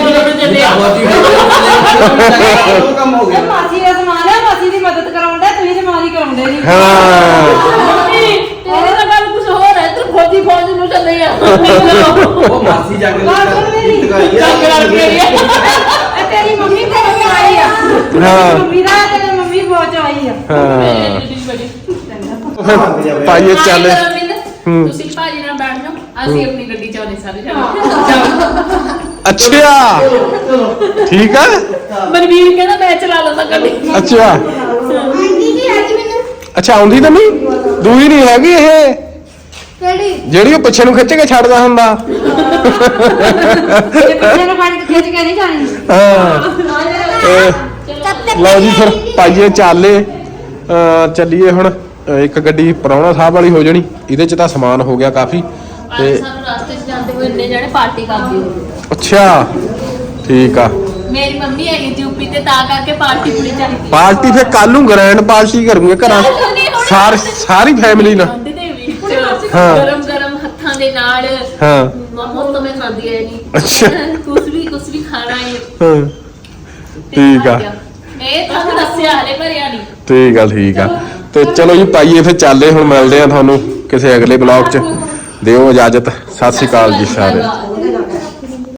[SPEAKER 5] ਉਹ ਕੰਮ ਹੋ ਗਿਆ
[SPEAKER 6] ਮਾਸੀ ਦਾ ਸਮਾਨ ਹੈ, ਮਾਸੀ ਦੀ ਮਦਦ ਕਰਾਉਂਦਾ, ਤੁਸੀਂ ਤੇ ਮਾਰੀ ਕਰਾਉਂਦੇ ਨਹੀਂ।
[SPEAKER 3] ਹਾਂ
[SPEAKER 1] ਤੇਰੀ ਤਾਂ ਗੱਲ ਕੁਝ ਹੋਰ ਹੈ। ਤੂੰ ਫੌਜੀ ਫੌਜ ਨੂੰ ਚੱਲੇ ਆ।
[SPEAKER 5] ਉਹ ਮਾਸੀ ਜਾ ਕੇ
[SPEAKER 1] ਚੱਕ ਲੜ ਕੇ ਆਈ ਆ।
[SPEAKER 6] ਇਹ ਤੇਰੀ ਮੰਮੀ ਤੇ ਆਈ ਆ।
[SPEAKER 3] ਹਾਂ।
[SPEAKER 6] ਮੰਮੀ ਦਾ ਤੇ ਮੰਮੀ ਬਹੁਤ ਆਈ ਆ।
[SPEAKER 3] ਹਾਂ ਪਾਈਏ ਚਾਲੇ।
[SPEAKER 1] ਤੁਸੀਂ ਭਾਜੀ ਨਾਲ ਬੈਠ ਜਾਓ, ਅਸੀਂ ਆਪਣੀ ਗੱਡੀ ਚ ਆਉਣੇ ਸਾਰੇ ਜਾਣੇ
[SPEAKER 3] ਅੱਛਾ ਠੀਕ ਆ
[SPEAKER 1] ਮਨਵੀਰ ਕਹਿੰਦਾ ਮੈਂ ਚਲਾ ਲਵਾਂ ਗੱਡੀ
[SPEAKER 3] ਅੱਛਾ
[SPEAKER 6] ਆਂਟੀ ਜੀ ਹੈਗੀ ਮੈਨੂੰ
[SPEAKER 3] ਅੱਛਾ ਆਉਂਦੀ ਤਾਂ ਨਹੀਂ ਦੂਈ ਨਹੀਂ ਹੈਗੀ ਇਹ
[SPEAKER 6] ਕਿਹੜੀ
[SPEAKER 3] ਜਿਹੜੀ ਉਹ ਪਿੱਛੇ ਨੂੰ ਖਿੱਚ ਕੇ ਛੱਡਦਾ ਹੁੰਦਾ
[SPEAKER 6] ਇਹ ਪਿੱਛੇ ਨੂੰ ਫੜ ਕੇ ਖਿੱਚ ਕੇ ਨਹੀਂ ਜਾਣੀ
[SPEAKER 3] ਹਾਂ ਇਹ ਲਓ ਜੀ ਫਿਰ ਪਾਈਏ ਚਾਲੇ ਅਹ ਚੱਲੀਏ ਹੁਣ ਅਹ ਇੱਕ ਗੱਡੀ ਪ੍ਰਾਹੁਣਾ ਸਾਹਿਬ ਵਾਲੀ ਹੋ ਜਾਣੀ ਇਹਦੇ ਚ ਤਾਂ ਸਮਾਨ ਹੋ ਗਿਆ ਕਾਫੀ ਤੇ
[SPEAKER 1] ਸਾਨੂੰ ਰਸਤੇ 'ਚ ਜਾਂਦੇ ਹੋਏ ਇੰਨੇ ਜਣੇ ਪਾਰਟੀ ਕਰਦੇ ਹੋਏ
[SPEAKER 3] ਅੱਛਾ ਠੀਕ ਆ
[SPEAKER 1] ਮੇਰੀ ਮੰਮੀ ਹੈਗੀ ਯੂਪੀ ਤੇ ਤਾਂ ਕਰਕੇ ਪਾਰਟੀ ਪੂਰੀ ਚਾਹੀਦੀ
[SPEAKER 3] ਪਾਰਟੀ ਫਿਰ ਕੱਲ ਨੂੰ ਗ੍ਰੈਂਡ ਪਾਰਟੀ ਕਰੂਗੇ ਘਰਾਂ ਸਾਰ ਸਾਰੀ ਫੈਮਿਲੀ ਨਾਲ
[SPEAKER 1] ਖਾਂਦੇ ਦੇ ਵਿੱਚ
[SPEAKER 3] ਹਾਂ।
[SPEAKER 1] ਗਰਮ ਗਰਮ ਹੱਥਾਂ ਦੇ ਨਾਲ
[SPEAKER 3] ਹਾਂ
[SPEAKER 1] ਮਮੋ ਤਾਂ ਮੈਂ ਖਾਂਦੀ ਐ ਨਹੀਂ
[SPEAKER 3] ਅੱਛਾ।
[SPEAKER 1] ਕੁਝ ਵੀ ਕੁਝ ਵੀ ਖਾਣਾ ਹੈ
[SPEAKER 3] ਹਾਂ ਠੀਕ ਆ
[SPEAKER 1] ਇਹ ਤਾਂ ਦੱਸਿਆ ਹਲੇ ਭਰਿਆ ਨਹੀਂ
[SPEAKER 3] ਠੀਕ ਆ ਠੀਕ ਆ ਤੇ ਚਲੋ ਜੀ ਪਾਈਏ ਫਿਰ ਚੱਲਦੇ ਹੁਣ ਮਿਲਦੇ ਆ ਤੁਹਾਨੂੰ ਕਿਸੇ ਅਗਲੇ ਬਲੌਗ 'ਚ ਦਿਓ ਇਜਾਜ਼ਤ ਸਤਿ ਸ਼੍ਰੀ ਅਕਾਲ ਜੀ ਸਾਰੇ